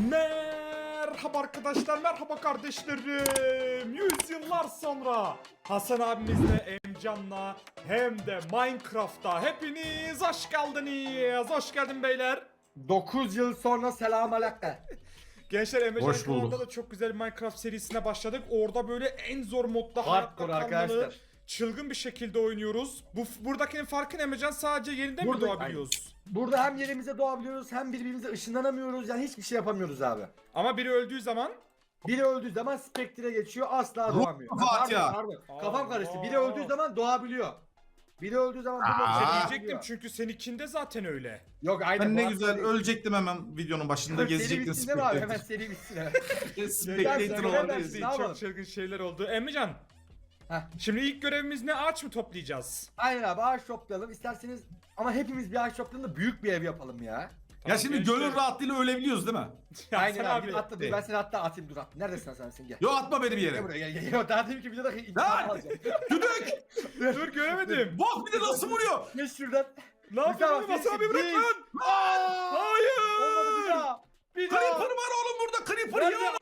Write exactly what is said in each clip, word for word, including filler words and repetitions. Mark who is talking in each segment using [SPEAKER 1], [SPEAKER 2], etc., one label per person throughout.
[SPEAKER 1] Merhaba arkadaşlar, merhaba kardeşlerim. Yüzyıllar sonra Hasan abimizle, Emcan'la hem de Minecraft'ta hepiniz hoş geldiniz. Hoş geldin beyler.
[SPEAKER 2] dokuz yıl sonra selamünaleyküm.
[SPEAKER 1] Gençler, Emrecan
[SPEAKER 3] Hoş bulduk.
[SPEAKER 1] kanalında da çok güzel bir Minecraft serisine başladık. Orada böyle en zor modda hayatta
[SPEAKER 2] Hardcore
[SPEAKER 1] kalmalı,
[SPEAKER 2] arkadaşlar.
[SPEAKER 1] çılgın bir şekilde oynuyoruz. Bu buradakinin farkı ne Emrecan? Sadece yeniden mi
[SPEAKER 2] Burada-
[SPEAKER 1] doğabiliyoruz?
[SPEAKER 2] Burada hem yerimize doğabiliyoruz hem birbirimize ışınlanamıyoruz, yani hiçbir şey yapamıyoruz abi.
[SPEAKER 1] Ama biri öldüğü zaman
[SPEAKER 2] Biri öldüğü zaman Spectre geçiyor, asla
[SPEAKER 3] Ruh
[SPEAKER 2] doğamıyor. Ha,
[SPEAKER 3] Fatih ya.
[SPEAKER 2] pardon, pardon. Kafam karıştı.
[SPEAKER 1] Allah.
[SPEAKER 2] Biri öldüğü zaman doğabiliyor. Biri öldüğü zaman burada
[SPEAKER 3] Aa.
[SPEAKER 2] bir şey
[SPEAKER 1] diyecektim
[SPEAKER 2] yapabiliyor.
[SPEAKER 1] çünkü seninkinde zaten öyle.
[SPEAKER 2] Yok aynen.
[SPEAKER 3] Ben ne
[SPEAKER 2] bu
[SPEAKER 3] güzel
[SPEAKER 2] hafta-
[SPEAKER 3] ölecektim hemen videonun başında
[SPEAKER 2] Seri
[SPEAKER 3] gezecektim
[SPEAKER 2] bitsin değil mi abi? Hemen
[SPEAKER 3] Spectator.
[SPEAKER 2] seri bitsin.
[SPEAKER 3] Spectator
[SPEAKER 2] Gerçekten
[SPEAKER 3] orada
[SPEAKER 2] ben-
[SPEAKER 3] izleyeyim.
[SPEAKER 2] Ne yapalım?
[SPEAKER 1] Çok çılgın şeyler oldu. Emrecan,
[SPEAKER 2] Heh.
[SPEAKER 1] şimdi ilk görevimiz ne? Ağaç mı toplayacağız?
[SPEAKER 2] Aynen abi, ağaç toplayalım isterseniz, ama hepimiz bir ağaç toplayalım da büyük bir ev yapalım ya.
[SPEAKER 3] Ya
[SPEAKER 1] Tamam,
[SPEAKER 3] şimdi
[SPEAKER 1] gençler.
[SPEAKER 3] gönül rahatlığıyla ölebiliyoruz değil mi?
[SPEAKER 1] Ya
[SPEAKER 2] Aynen
[SPEAKER 1] sen
[SPEAKER 2] abi,
[SPEAKER 1] abi.
[SPEAKER 2] git atla, dur ben seni hatta atayım, dur at. Neredesin sen sen gel.
[SPEAKER 3] Yo atma beni bir
[SPEAKER 2] Gel
[SPEAKER 3] yere.
[SPEAKER 2] buraya gel gel. Yo, daha demin ki videoda intikam
[SPEAKER 3] Lan!
[SPEAKER 2] alacağım.
[SPEAKER 3] Düdük!
[SPEAKER 1] Dur göremedim.
[SPEAKER 3] Bak bir de nasıl vuruyor?
[SPEAKER 2] Geç şuradan.
[SPEAKER 1] Ne yapıyorsun?
[SPEAKER 2] Tamam,
[SPEAKER 1] Hasan abi bırak
[SPEAKER 2] değil.
[SPEAKER 1] lan. Hayır.
[SPEAKER 2] Olmadı, bir daha. Bir daha.
[SPEAKER 3] Creeper var oğlum burada Creeper
[SPEAKER 2] Nerede?
[SPEAKER 3] ya.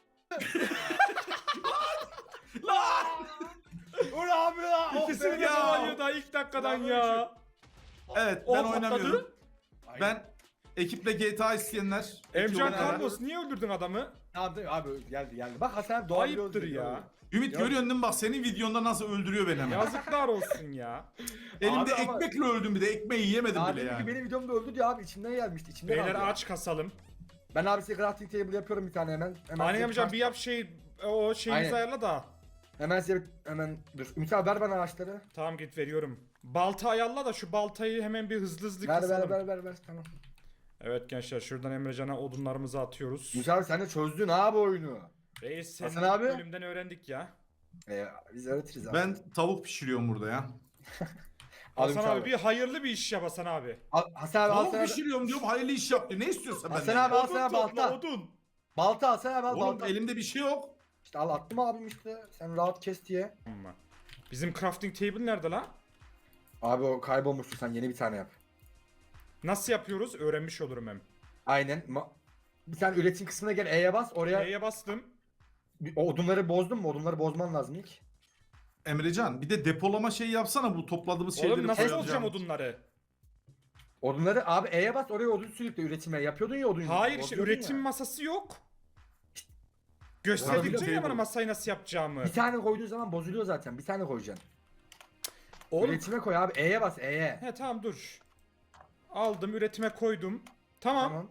[SPEAKER 3] Lan!
[SPEAKER 2] Ulan abi ya. Oh
[SPEAKER 1] İkisini
[SPEAKER 2] be.
[SPEAKER 1] de
[SPEAKER 3] ya.
[SPEAKER 1] alıyor daha ilk dakikadan
[SPEAKER 2] Ya,
[SPEAKER 1] ya.
[SPEAKER 3] Evet
[SPEAKER 1] O
[SPEAKER 3] ben
[SPEAKER 1] patladı.
[SPEAKER 3] oynamıyorum.
[SPEAKER 2] Aynen.
[SPEAKER 3] Ben ekiple G T A isteyenler.
[SPEAKER 1] Emcan
[SPEAKER 3] ekiple beraber-
[SPEAKER 1] Carlos niye öldürdün adamı?
[SPEAKER 2] Tamam değil mi? Abi geldi geldi. Bak Hasan abi doğabiliyoruz.
[SPEAKER 1] Ayıptır
[SPEAKER 2] diyor.
[SPEAKER 1] ya.
[SPEAKER 3] Ümit
[SPEAKER 2] Ya.
[SPEAKER 3] görüyorsun değil mi bak senin videonda nasıl öldürüyor beni hemen.
[SPEAKER 1] Yazıklar olsun ya.
[SPEAKER 3] Elimde
[SPEAKER 2] Abi ama-
[SPEAKER 3] ekmekle öldüm bir de ekmeği yiyemedim
[SPEAKER 2] Abi
[SPEAKER 3] bile
[SPEAKER 2] ki
[SPEAKER 3] yani.
[SPEAKER 2] benim videomda öldü diyor abi, içimden gelmişti. İçimden
[SPEAKER 1] Beyler
[SPEAKER 2] aldı ya.
[SPEAKER 1] ağaç kasalım.
[SPEAKER 2] Ben abi size crafting table yapıyorum bir tane hemen. Hemen
[SPEAKER 1] Hani
[SPEAKER 2] size
[SPEAKER 1] Emcan
[SPEAKER 2] craft-
[SPEAKER 1] bir yap şey o şeyimizi
[SPEAKER 2] Aynen.
[SPEAKER 1] ayarla da.
[SPEAKER 2] Hemen size bir- hemen dur. Ümit abi ver bana ağaçları.
[SPEAKER 1] Tamam git veriyorum. Balta ayarla da şu baltayı hemen bir hızlı hızlı
[SPEAKER 2] Ver
[SPEAKER 1] kasalım.
[SPEAKER 2] ver ver ver ver tamam.
[SPEAKER 1] Evet gençler, şuradan Emrecan'a odunlarımızı atıyoruz.
[SPEAKER 2] Ümit abi sen de çözdün abi oyunu.
[SPEAKER 1] Reis senin
[SPEAKER 2] Hasan abi?
[SPEAKER 1] bölümden öğrendik ya.
[SPEAKER 2] Ee, biz öğretiriz abi.
[SPEAKER 3] Ben tavuk pişiriyorum burada ya.
[SPEAKER 2] Al
[SPEAKER 1] Hasan
[SPEAKER 2] Ümit
[SPEAKER 1] abi bir hayırlı bir iş yap Hasan abi.
[SPEAKER 2] Al, Hasan abi al
[SPEAKER 3] Tavuk
[SPEAKER 2] sana.
[SPEAKER 3] pişiriyorum diyorum hayırlı iş yap diyor. Ne istiyorsan
[SPEAKER 2] Hasan
[SPEAKER 3] benden.
[SPEAKER 2] abi al
[SPEAKER 1] Odun
[SPEAKER 2] sana
[SPEAKER 1] topla
[SPEAKER 2] balta.
[SPEAKER 1] odun.
[SPEAKER 2] Balta al sana abi al
[SPEAKER 3] Oğlum
[SPEAKER 2] balta.
[SPEAKER 3] elimde bir şey yok.
[SPEAKER 2] İşte al attım abim işte. Sen rahat kes diye.
[SPEAKER 1] Amma. Bizim crafting table nerede la?
[SPEAKER 2] Abi o kaybolmuştu, sen yeni bir tane yap.
[SPEAKER 1] Nasıl yapıyoruz? Öğrenmiş olurum hem.
[SPEAKER 2] Aynen. Ma- bir tane üretim kısmına gel, E'ye bas oraya.
[SPEAKER 1] E'ye bastım.
[SPEAKER 2] Bir- O odunları bozdun mu? Odunları bozman lazım ilk.
[SPEAKER 3] Emrecan bir de depolama şey yapsana bu topladığımız şeyleri.
[SPEAKER 1] Oğlum nasıl
[SPEAKER 3] koyacağım.
[SPEAKER 1] bozacağım odunları?
[SPEAKER 2] Odunları abi E'ye bas oraya odun sürükle, üretime yapıyordun ya odun.
[SPEAKER 1] Hayır işte
[SPEAKER 2] Bozuyordun
[SPEAKER 1] üretim
[SPEAKER 2] ya.
[SPEAKER 1] masası yok. Gösterdikçe
[SPEAKER 3] Crafting
[SPEAKER 1] ya bana
[SPEAKER 3] table.
[SPEAKER 1] masayı nasıl yapacağımı.
[SPEAKER 2] Bir tane koyduğun zaman bozuluyor zaten. Bir tane koyacaksın.
[SPEAKER 1] Oğlum.
[SPEAKER 2] Üretime koy abi. E'ye bas E'ye.
[SPEAKER 1] He tamam dur. Aldım, üretime koydum. Tamam.
[SPEAKER 2] Tamam.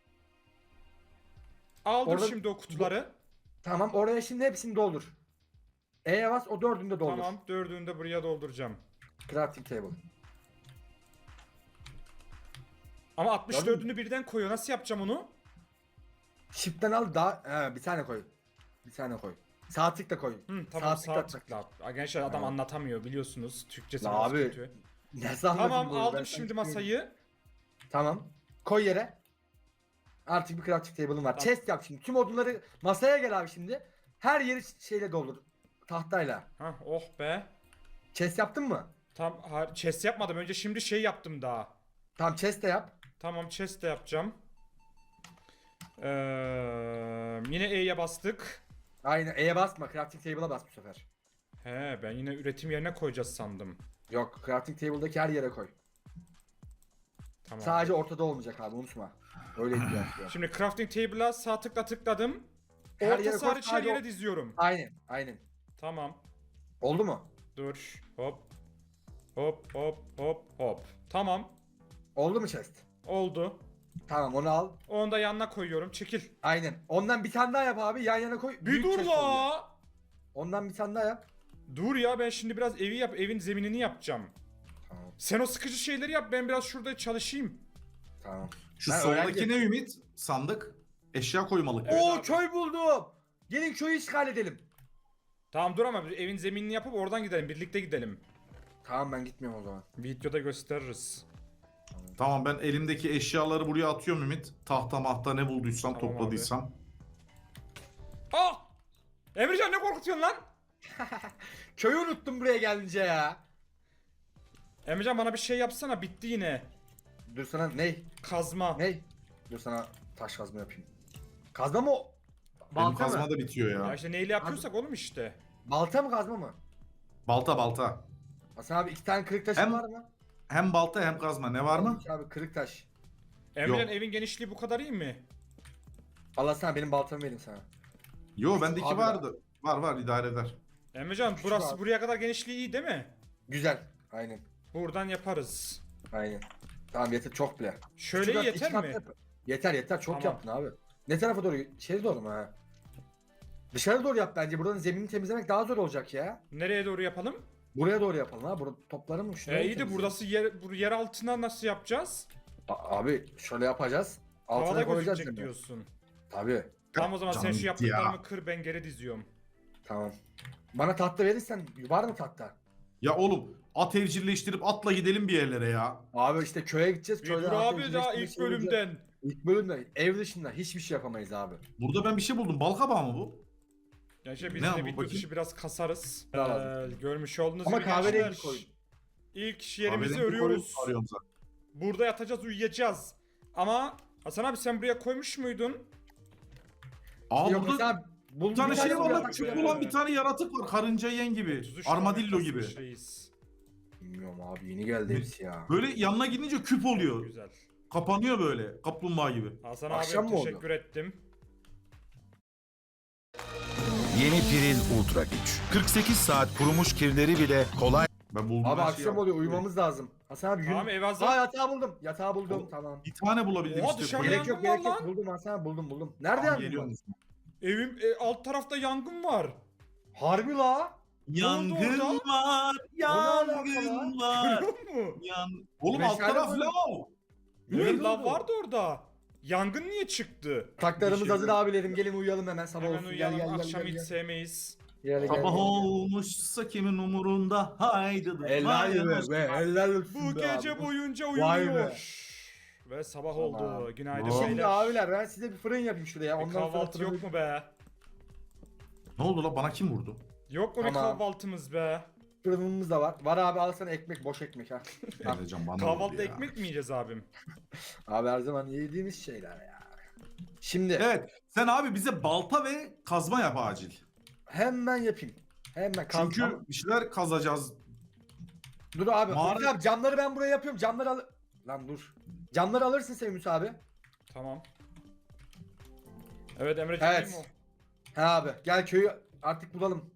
[SPEAKER 1] Aldım
[SPEAKER 2] Orada-
[SPEAKER 1] şimdi o kutuları.
[SPEAKER 2] Tamam oraya şimdi hepsini doldur. E'ye bas o dördünü de doldur.
[SPEAKER 1] Tamam, dördünü de buraya dolduracağım.
[SPEAKER 2] Crafting table.
[SPEAKER 1] Ama altmış dördünü birden koyuyor. Nasıl yapacağım onu?
[SPEAKER 2] Shift'ten al daha he, bir tane koy. Bir tane koy. Sağ tıkla koy.
[SPEAKER 1] Hı, tamam
[SPEAKER 2] tıkla
[SPEAKER 1] sağ
[SPEAKER 2] at.
[SPEAKER 1] tıkla. Aa, Gençler adam
[SPEAKER 2] Tamam.
[SPEAKER 1] anlatamıyor biliyorsunuz. Türkçesi
[SPEAKER 2] La
[SPEAKER 1] biraz
[SPEAKER 2] abi,
[SPEAKER 1] kötü.
[SPEAKER 2] Nasıl anladın
[SPEAKER 1] Tamam
[SPEAKER 2] bu? Ben
[SPEAKER 1] aldım
[SPEAKER 2] sana
[SPEAKER 1] şimdi
[SPEAKER 2] tıklayayım.
[SPEAKER 1] masayı.
[SPEAKER 2] Tamam. Koy yere. Artık bir crafting table'ın var.
[SPEAKER 1] Tamam.
[SPEAKER 2] Chest yap şimdi. Tüm odunları masaya gel abi şimdi. Her yeri şeyle doldur. Tahtayla.
[SPEAKER 1] Hah oh be.
[SPEAKER 2] Chest yaptın mı?
[SPEAKER 1] Tam ha, chest yapmadım. Önce şimdi şey yaptım daha.
[SPEAKER 2] Tamam chest de yap.
[SPEAKER 1] Tamam chest de yapacağım. Ee, yine E'ye bastık.
[SPEAKER 2] Aynen E'ye basma. Crafting table'a bas bu sefer.
[SPEAKER 1] He ben yine üretim yerine koyacağız sandım.
[SPEAKER 2] Yok, crafting table'daki her yere koy.
[SPEAKER 1] Tamam.
[SPEAKER 2] Sadece ortada olmayacak abi, unutma. Öyle ihtiyaç var.
[SPEAKER 1] Şimdi crafting table'a sağ tıkla tıkladım.
[SPEAKER 2] Her yere
[SPEAKER 1] Ortası
[SPEAKER 2] koy,
[SPEAKER 1] hariç her
[SPEAKER 2] sadece
[SPEAKER 1] yere
[SPEAKER 2] o-
[SPEAKER 1] diziyorum.
[SPEAKER 2] Aynen, aynen.
[SPEAKER 1] Tamam.
[SPEAKER 2] Oldu mu?
[SPEAKER 1] Dur. Hop. Hop hop hop hop. Tamam.
[SPEAKER 2] Oldu mu chest?
[SPEAKER 1] Oldu.
[SPEAKER 2] Tamam onu al.
[SPEAKER 1] Onu da yanına koyuyorum. Çekil.
[SPEAKER 2] Aynen. Ondan bir tane daha yap abi. Yan yana koy.
[SPEAKER 1] Bir
[SPEAKER 2] Büyük
[SPEAKER 1] dur
[SPEAKER 2] chest oluyor.
[SPEAKER 1] la.
[SPEAKER 2] Ondan bir tane daha yap.
[SPEAKER 1] Dur ya, ben şimdi biraz evi yap, evin zeminini yapacağım.
[SPEAKER 2] Tamam.
[SPEAKER 1] Sen o sıkıcı şeyleri yap, ben biraz şurada çalışayım.
[SPEAKER 2] Tamam.
[SPEAKER 3] Şu
[SPEAKER 2] Ben
[SPEAKER 3] soldaki
[SPEAKER 2] öğrenci-
[SPEAKER 3] ne Ümit? Sandık. Eşya koymalık.
[SPEAKER 1] Evet
[SPEAKER 2] Oo
[SPEAKER 1] abi.
[SPEAKER 2] köy buldum. Gelin köyü işgal edelim.
[SPEAKER 1] Tamam dur ama evin zeminini yapıp oradan gidelim, birlikte gidelim.
[SPEAKER 2] Tamam ben gitmiyorum o zaman.
[SPEAKER 1] Videoda gösteririz.
[SPEAKER 3] Tamam ben elimdeki eşyaları buraya atıyorum Ümit. Tahta mahta ne bulduysam
[SPEAKER 1] Tamam
[SPEAKER 3] topladıysam.
[SPEAKER 1] Ah! Emrecan ne korkutuyorsun lan?
[SPEAKER 2] Köyü unuttum buraya gelince ya.
[SPEAKER 1] Emrecan bana bir şey yapsana, bitti yine.
[SPEAKER 2] Dur sana ney?
[SPEAKER 1] Kazma.
[SPEAKER 2] Ney? Dur sana taş kazma yapayım. Kazma mı? o?
[SPEAKER 3] Benim
[SPEAKER 2] Balta
[SPEAKER 3] kazma
[SPEAKER 2] mı?
[SPEAKER 3] da bitiyor
[SPEAKER 1] Ya
[SPEAKER 3] ya.
[SPEAKER 1] işte neyle yapıyorsak oğlum işte.
[SPEAKER 2] Balta mı kazma mı?
[SPEAKER 3] Balta balta.
[SPEAKER 2] Hasan abi iki tane kırık taşın
[SPEAKER 3] Hem-
[SPEAKER 2] var mı?
[SPEAKER 3] Hem balta hem kazma. Ne var mı?
[SPEAKER 2] Olmuş abi kırık taş.
[SPEAKER 1] Emrecan
[SPEAKER 3] Yok.
[SPEAKER 1] evin genişliği bu kadar iyi mi?
[SPEAKER 2] Allah sana benim baltamı vereyim sana.
[SPEAKER 3] Yo bendeki
[SPEAKER 2] Abi
[SPEAKER 3] vardı. Var var idare eder.
[SPEAKER 1] Emrecan
[SPEAKER 2] Küçük
[SPEAKER 1] burası
[SPEAKER 2] abi.
[SPEAKER 1] buraya kadar genişliği iyi değil mi?
[SPEAKER 2] Güzel. Aynen.
[SPEAKER 1] Buradan yaparız.
[SPEAKER 2] Aynen. Tamam yeter çok bile.
[SPEAKER 1] Şöyle
[SPEAKER 2] Küçük at-
[SPEAKER 1] yeter
[SPEAKER 2] iki kat
[SPEAKER 1] mi?
[SPEAKER 2] yap. Yeter yeter çok
[SPEAKER 1] Tamam.
[SPEAKER 2] yaptın abi. Ne tarafa doğru? İçeri doğru mu ha? Dışarı doğru yap bence. Buranın zeminini temizlemek daha zor olacak ya.
[SPEAKER 1] Nereye doğru yapalım?
[SPEAKER 2] Buraya doğru yapalım ha. Burada topları mı? Şuraya
[SPEAKER 1] E
[SPEAKER 2] mı
[SPEAKER 1] iyi de
[SPEAKER 2] temizleyelim?
[SPEAKER 1] burası yer, bu yer altına nasıl yapacağız?
[SPEAKER 2] A- abi şöyle yapacağız. Altına
[SPEAKER 1] Havada
[SPEAKER 2] koyacağız
[SPEAKER 1] gözükecek
[SPEAKER 2] değil mi?
[SPEAKER 1] diyorsun.
[SPEAKER 2] Tabii.
[SPEAKER 1] Tamam o zaman sen
[SPEAKER 3] Canım
[SPEAKER 1] şu
[SPEAKER 3] gitti
[SPEAKER 1] yaptıklarımı
[SPEAKER 3] ya.
[SPEAKER 1] kır ben geri diziyorum.
[SPEAKER 2] Tamam. Bana tahta verirsen var mı tahta?
[SPEAKER 3] Ya oğlum at evcilleştirip atla gidelim bir yerlere ya.
[SPEAKER 2] Abi işte köye gideceğiz.
[SPEAKER 1] Bir
[SPEAKER 2] Köyde
[SPEAKER 1] dur
[SPEAKER 2] tahta
[SPEAKER 1] abi daha
[SPEAKER 2] birleştirme
[SPEAKER 1] ilk
[SPEAKER 2] şey olacak.
[SPEAKER 1] bölümden.
[SPEAKER 2] İlk bölümde ev dışında hiçbir şey yapamayız abi.
[SPEAKER 3] Burada ben bir şey buldum. Bal kabağı mı bu?
[SPEAKER 1] Ya işte biz
[SPEAKER 3] Ne
[SPEAKER 1] de
[SPEAKER 3] bu,
[SPEAKER 1] video
[SPEAKER 3] bakayım?
[SPEAKER 1] dışı biraz kasarız.
[SPEAKER 2] Ne lazım?
[SPEAKER 1] Ee, görmüş olduğunuz
[SPEAKER 2] Ama
[SPEAKER 1] gibi
[SPEAKER 2] kahverengi
[SPEAKER 1] gençler,
[SPEAKER 2] koyun.
[SPEAKER 1] İlk yerimizi
[SPEAKER 3] Kahverengi
[SPEAKER 1] örüyoruz.
[SPEAKER 3] koyun arıyorum zaten.
[SPEAKER 1] Burada yatacağız uyuyacağız. Ama Hasan abi sen buraya koymuş muydun?
[SPEAKER 3] Aa
[SPEAKER 2] Yok
[SPEAKER 3] burada
[SPEAKER 2] mesela buldum
[SPEAKER 3] bir tane şey var lan.
[SPEAKER 2] yatak
[SPEAKER 3] Küçük
[SPEAKER 2] var.
[SPEAKER 3] olan bir tane yaratık var. Karınca yiyen gibi.
[SPEAKER 1] otuz üç tane
[SPEAKER 3] Armadillo gibi.
[SPEAKER 1] kasmış reis.
[SPEAKER 2] Bilmiyorum abi yeni geldi hepsi ya.
[SPEAKER 3] Böyle yanına gidince küp oluyor.
[SPEAKER 1] Güzel.
[SPEAKER 3] Kapanıyor böyle. Kaplumbağa gibi.
[SPEAKER 1] Hasan
[SPEAKER 2] Akşam
[SPEAKER 1] abi
[SPEAKER 2] mı oldu?
[SPEAKER 1] teşekkür ettim.
[SPEAKER 4] Yeni Piril Ultra Güç. kırk sekiz saat kurumuş kirleri bile kolay
[SPEAKER 3] Ben buldum.
[SPEAKER 2] Abi
[SPEAKER 3] her şeyi
[SPEAKER 2] akşam
[SPEAKER 3] yaptım.
[SPEAKER 2] oluyor uyumamız lazım. Hasan abi
[SPEAKER 1] Tamam
[SPEAKER 2] yürü.
[SPEAKER 1] ev hazır.
[SPEAKER 2] Aa yatağı buldum. Yatağı buldum
[SPEAKER 3] Oğlum,
[SPEAKER 2] tamam.
[SPEAKER 3] Bir tane bulabildim
[SPEAKER 1] Oha,
[SPEAKER 3] işte.
[SPEAKER 1] dışarıda
[SPEAKER 3] Böyle-
[SPEAKER 2] Gerek yok
[SPEAKER 1] yangın
[SPEAKER 2] gerek
[SPEAKER 1] var
[SPEAKER 2] yok
[SPEAKER 1] lan.
[SPEAKER 2] buldum Hasan abi buldum buldum. Nerede
[SPEAKER 3] Tamam,
[SPEAKER 2] yangın
[SPEAKER 3] geliyorum.
[SPEAKER 2] var?
[SPEAKER 1] Evim e, alt tarafta yangın var.
[SPEAKER 2] Harbi la.
[SPEAKER 3] Yangın
[SPEAKER 1] orada?
[SPEAKER 3] var.
[SPEAKER 2] O ne alaka
[SPEAKER 3] Yangın var.
[SPEAKER 1] Görüyor musun?
[SPEAKER 3] Yan... Oğlum alt
[SPEAKER 2] Meşale
[SPEAKER 3] taraf
[SPEAKER 2] var.
[SPEAKER 3] lav.
[SPEAKER 1] Evet
[SPEAKER 2] Nerede
[SPEAKER 1] lan
[SPEAKER 2] oldu?
[SPEAKER 1] vardı orada. Yangın niye çıktı?
[SPEAKER 2] Taklarımız
[SPEAKER 3] Bir şey
[SPEAKER 2] hazır
[SPEAKER 3] yok.
[SPEAKER 2] abilerim gelin uyuyalım hemen sabah
[SPEAKER 1] Hemen
[SPEAKER 2] olsun.
[SPEAKER 1] uyuyalım
[SPEAKER 2] gel gel
[SPEAKER 1] akşam
[SPEAKER 2] gel
[SPEAKER 1] hiç
[SPEAKER 2] gel.
[SPEAKER 1] sevmeyiz.
[SPEAKER 2] Gel gel.
[SPEAKER 3] Sabah
[SPEAKER 2] gel.
[SPEAKER 3] olmuşsa kimin umurunda haydi.
[SPEAKER 2] Helal be be helal olsun
[SPEAKER 1] Bu
[SPEAKER 2] be
[SPEAKER 1] gece
[SPEAKER 2] abi.
[SPEAKER 1] boyunca
[SPEAKER 2] Vay
[SPEAKER 1] uyumuyor. Ve sabah
[SPEAKER 2] Tamam.
[SPEAKER 1] oldu. Günaydın
[SPEAKER 3] Vay.
[SPEAKER 2] Şimdi
[SPEAKER 1] beyler.
[SPEAKER 2] abiler ben size bir fırın yapayım şuraya.
[SPEAKER 1] Bir
[SPEAKER 2] Ondan sonra
[SPEAKER 1] kahvaltı
[SPEAKER 2] fırını-
[SPEAKER 1] yok mu be?
[SPEAKER 3] Ne oldu la bana kim vurdu?
[SPEAKER 1] Yok mu bir
[SPEAKER 2] Tamam.
[SPEAKER 1] kahvaltımız be?
[SPEAKER 2] Fırınımız da var. Var abi al sana ekmek boş ekmek ha. Ha.
[SPEAKER 3] Emrecan bana vurdu
[SPEAKER 1] Kahvaltıda
[SPEAKER 3] ya.
[SPEAKER 1] ekmek mi yiyeceğiz abim?
[SPEAKER 2] Abi her zaman yediğimiz şeyler ya. Şimdi
[SPEAKER 3] Evet sen abi bize balta ve kazma yap acil.
[SPEAKER 2] hemen yapayım. Hemen kazmam.
[SPEAKER 3] Çünkü bir şeyler kazacağız.
[SPEAKER 2] Dur abi.
[SPEAKER 3] Mağara-
[SPEAKER 2] Ümit abi camları ben buraya yapıyorum. Camları al... Lan dur. Camları alırsın sen Ümit abi.
[SPEAKER 1] Tamam. Evet Emre'ciğim
[SPEAKER 2] Evet.
[SPEAKER 1] değil mi
[SPEAKER 2] He abi gel köyü artık bulalım.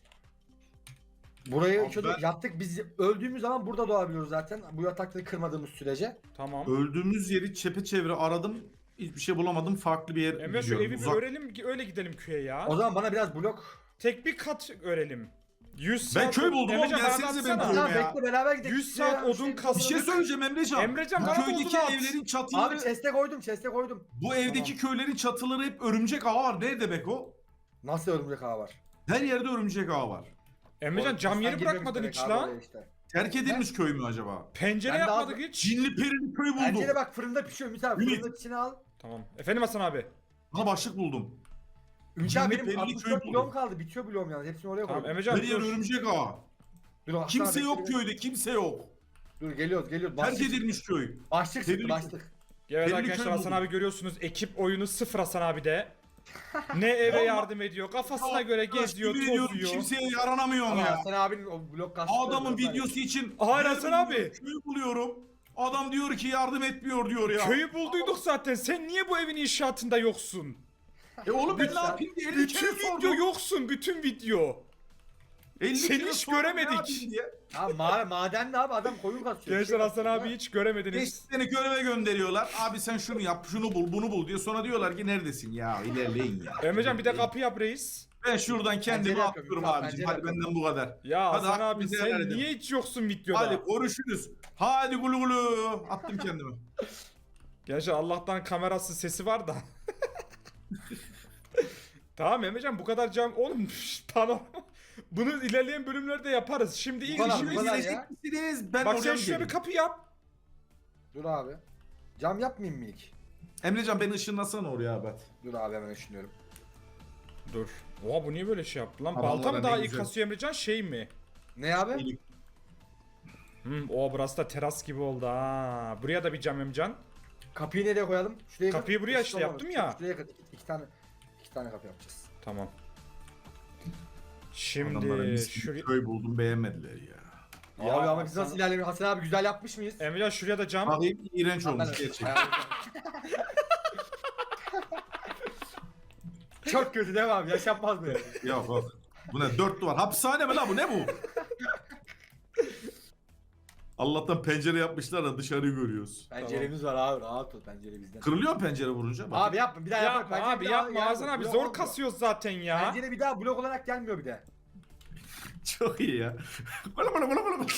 [SPEAKER 2] Burayı
[SPEAKER 3] Abi
[SPEAKER 2] şöyle
[SPEAKER 3] ben-
[SPEAKER 2] yattık biz öldüğümüz zaman burada doğabiliyoruz zaten. Bu yatakları kırmadığımız sürece.
[SPEAKER 1] o? Tamam.
[SPEAKER 3] Öldüğümüz yeri çepeçevre aradım. Hiçbir şey bulamadım. Farklı bir yer
[SPEAKER 1] Emre şu
[SPEAKER 3] gidiyorum.
[SPEAKER 1] evi bir
[SPEAKER 3] Uzak.
[SPEAKER 1] örelim öyle gidelim köye ya.
[SPEAKER 2] O zaman bana biraz blok.
[SPEAKER 1] Tek bir kat örelim. yüz
[SPEAKER 3] Ben
[SPEAKER 1] saat
[SPEAKER 3] köy buldum oğlum,
[SPEAKER 1] Emrecan, bana
[SPEAKER 3] gelsenize
[SPEAKER 1] atsana.
[SPEAKER 3] benim
[SPEAKER 2] Tamam
[SPEAKER 3] köyüme ya.
[SPEAKER 2] bekle beraber gidelim.
[SPEAKER 1] yüz
[SPEAKER 2] Şuraya
[SPEAKER 1] saat odun
[SPEAKER 2] şey-
[SPEAKER 1] kas-
[SPEAKER 3] Bir şey söyleyeceğim Emrecan.
[SPEAKER 1] Emrecan,
[SPEAKER 3] bu
[SPEAKER 1] bana da
[SPEAKER 3] köydeki
[SPEAKER 1] odun at.
[SPEAKER 3] evlerin çatıları,
[SPEAKER 2] Abi chest'e koydum chest'e koydum.
[SPEAKER 3] bu evdeki köylerin çatıları hep örümcek ağı var. Ne demek o?
[SPEAKER 2] Nasıl örümcek ağı var?
[SPEAKER 3] Her yerde örümcek ağı var.
[SPEAKER 1] Emrecan cam
[SPEAKER 2] Sen
[SPEAKER 1] yeri
[SPEAKER 2] girmemiş
[SPEAKER 1] bırakmadın
[SPEAKER 2] demek
[SPEAKER 1] hiç
[SPEAKER 2] abi
[SPEAKER 1] lan.
[SPEAKER 2] oraya işte.
[SPEAKER 3] Terk edilmiş köy mü acaba?
[SPEAKER 1] Pencere
[SPEAKER 2] Ben de
[SPEAKER 1] yapmadık
[SPEAKER 2] abi-
[SPEAKER 1] hiç.
[SPEAKER 3] Cinli perili köy buldum.
[SPEAKER 2] Bence de bak fırında pişiyor Ümit abi.
[SPEAKER 3] Ümit.
[SPEAKER 2] Fırının içine al.
[SPEAKER 1] Tamam. Efendim Hasan abi.
[SPEAKER 3] Bana başlık buldum.
[SPEAKER 2] Ümit
[SPEAKER 3] Cinli
[SPEAKER 2] abi benim
[SPEAKER 3] perili
[SPEAKER 2] altmış
[SPEAKER 3] köy
[SPEAKER 2] dört
[SPEAKER 3] buldum.
[SPEAKER 2] bloğum kaldı. Bitiyor bloğum yalnız. Hepsini oraya
[SPEAKER 1] Tamam
[SPEAKER 2] koydum.
[SPEAKER 1] Emrecan
[SPEAKER 3] Her yer
[SPEAKER 1] dur.
[SPEAKER 3] örümcek ağı.
[SPEAKER 2] Dur, Hasan
[SPEAKER 3] Kimse
[SPEAKER 2] abi,
[SPEAKER 3] yok
[SPEAKER 2] bekle.
[SPEAKER 3] köyde, kimse yok.
[SPEAKER 2] Dur geliyoruz geliyoruz.
[SPEAKER 3] Terk
[SPEAKER 2] Başlık,
[SPEAKER 3] edilmiş köy.
[SPEAKER 2] başlık çıktı
[SPEAKER 3] Perili-
[SPEAKER 2] başlık.
[SPEAKER 1] Evet
[SPEAKER 3] Belli
[SPEAKER 1] arkadaşlar
[SPEAKER 3] köy
[SPEAKER 1] Hasan
[SPEAKER 3] buldum.
[SPEAKER 1] abi görüyorsunuz ekip oyunu sıfır Hasan abi de. Ne eve
[SPEAKER 3] Vallahi-
[SPEAKER 1] yardım ediyor kafasına göre geziyor
[SPEAKER 3] Yemin ediyorum,
[SPEAKER 1] tozuyor.
[SPEAKER 3] Kimseye yaranamıyorum
[SPEAKER 2] Ama
[SPEAKER 3] ya.
[SPEAKER 2] Hasan abinin o blok kastı.
[SPEAKER 3] Adamın videosu için
[SPEAKER 1] Hayır
[SPEAKER 3] yer
[SPEAKER 1] Hasan abi.
[SPEAKER 3] buluyorum, Köy buluyorum. Adam diyor ki yardım etmiyor diyor ya.
[SPEAKER 1] Köyü bulduyduk zaten sen niye bu evin inşaatında yoksun?
[SPEAKER 3] E oğlum ben ne
[SPEAKER 2] Lütfen.
[SPEAKER 3] yapayım diye elli
[SPEAKER 1] Bütün
[SPEAKER 3] kere
[SPEAKER 1] video
[SPEAKER 3] sordum.
[SPEAKER 1] yoksun bütün video.
[SPEAKER 3] elli
[SPEAKER 1] Seni
[SPEAKER 3] kere
[SPEAKER 1] hiç
[SPEAKER 3] sordum, ne
[SPEAKER 1] göremedik.
[SPEAKER 3] yapayım diye.
[SPEAKER 2] Ha ma maden ne abi adam koyun kasıyor.
[SPEAKER 1] Gençler Hasan abi hiç göremediniz.
[SPEAKER 3] Beş seni göreve gönderiyorlar. Abi sen şunu yap, şunu bul, bunu bul diye. Sonra diyorlar ki neredesin ya? İlerleyin ya.
[SPEAKER 1] Emrecan bir de kapı yap reis.
[SPEAKER 3] Ben şuradan kendimi
[SPEAKER 2] Pencere
[SPEAKER 3] atıyorum
[SPEAKER 2] yapıyorum,
[SPEAKER 3] abicim.
[SPEAKER 2] pencere
[SPEAKER 3] Hadi
[SPEAKER 2] yapıyorum.
[SPEAKER 3] benden bu kadar.
[SPEAKER 1] Ya
[SPEAKER 3] Hadi
[SPEAKER 1] Hasan abi
[SPEAKER 3] hakkınızı helal
[SPEAKER 1] sen
[SPEAKER 3] edin.
[SPEAKER 1] niye hiç yoksun videoda?
[SPEAKER 3] Hadi görüşürüz. Hadi gulu gulu. Attım kendimi.
[SPEAKER 1] Gençler Allah'tan kamerası sesi var da. Tamam Emrecan bu kadar cam oğlum tamam. Bunu ilerleyen bölümlerde yaparız. Şimdi ilk
[SPEAKER 2] kadar,
[SPEAKER 1] işimiz
[SPEAKER 2] bu kadar ya.
[SPEAKER 3] Gelecek misiniz? Ben
[SPEAKER 1] bak
[SPEAKER 3] oraya
[SPEAKER 1] sen
[SPEAKER 3] mı
[SPEAKER 1] şuraya bir
[SPEAKER 3] geleyim?
[SPEAKER 1] kapı yap.
[SPEAKER 2] Dur abi. Cam yapmayayım mı ilk?
[SPEAKER 3] Emrecan beni ışınlasana oraya abi.
[SPEAKER 2] Dur abi hemen düşünüyorum.
[SPEAKER 1] Dur. Oha bu niye böyle şey yaptı lan?
[SPEAKER 3] Adamlara
[SPEAKER 1] Balta mı
[SPEAKER 3] ne
[SPEAKER 1] daha iyi
[SPEAKER 3] güzel.
[SPEAKER 1] kasıyor Emrecan şey mi?
[SPEAKER 2] Ne abi?
[SPEAKER 1] Hmm, o burası da teras gibi oldu ha. Buraya da bir cam Emrecan.
[SPEAKER 2] Kapıyı nereye koyalım? Şuraya kır.
[SPEAKER 1] Kapıyı buraya işte
[SPEAKER 2] Şuraya
[SPEAKER 1] yaptım
[SPEAKER 2] kır.
[SPEAKER 1] ya.
[SPEAKER 2] Şuraya kır. İki, iki tane iki tane kapı yapacağız.
[SPEAKER 1] Tamam.
[SPEAKER 3] Adamlara
[SPEAKER 1] Şimdi
[SPEAKER 3] mis gibi
[SPEAKER 1] şuraya...
[SPEAKER 3] köy buldum beğenmediler ya.
[SPEAKER 1] Ya
[SPEAKER 2] abi ama biz
[SPEAKER 1] Hasan-
[SPEAKER 2] nasıl ilerlemiyoruz? Hasan abi güzel yapmış mıyız?
[SPEAKER 1] Emrecan şuraya da cam.
[SPEAKER 3] Bakayım iğrenç
[SPEAKER 2] Ben-
[SPEAKER 3] olmuş gerçekten.
[SPEAKER 2] Çok kötü değil mi abi? Yaşanmaz böyle.
[SPEAKER 3] Ya bak. Bu ne? Dört duvar. Hapishane mi la bu? Ne bu? Allah'tan pencere yapmışlar da dışarıyı görüyoruz.
[SPEAKER 2] Penceremiz var abi, rahat ol, pencere bizden.
[SPEAKER 3] Kırılıyor mu pencere vurunca? Bak.
[SPEAKER 2] Abi yapma, bir daha yapma.
[SPEAKER 1] Yapma
[SPEAKER 2] Pencere
[SPEAKER 1] abi
[SPEAKER 2] bir daha
[SPEAKER 1] yapma
[SPEAKER 2] yani
[SPEAKER 1] Hasan abi
[SPEAKER 2] blok
[SPEAKER 1] zor
[SPEAKER 2] olmuyor.
[SPEAKER 1] kasıyoruz zaten ya.
[SPEAKER 2] Pencere bir daha blok olarak gelmiyor bir de.
[SPEAKER 3] Çok iyi ya. Bala bala bala bala.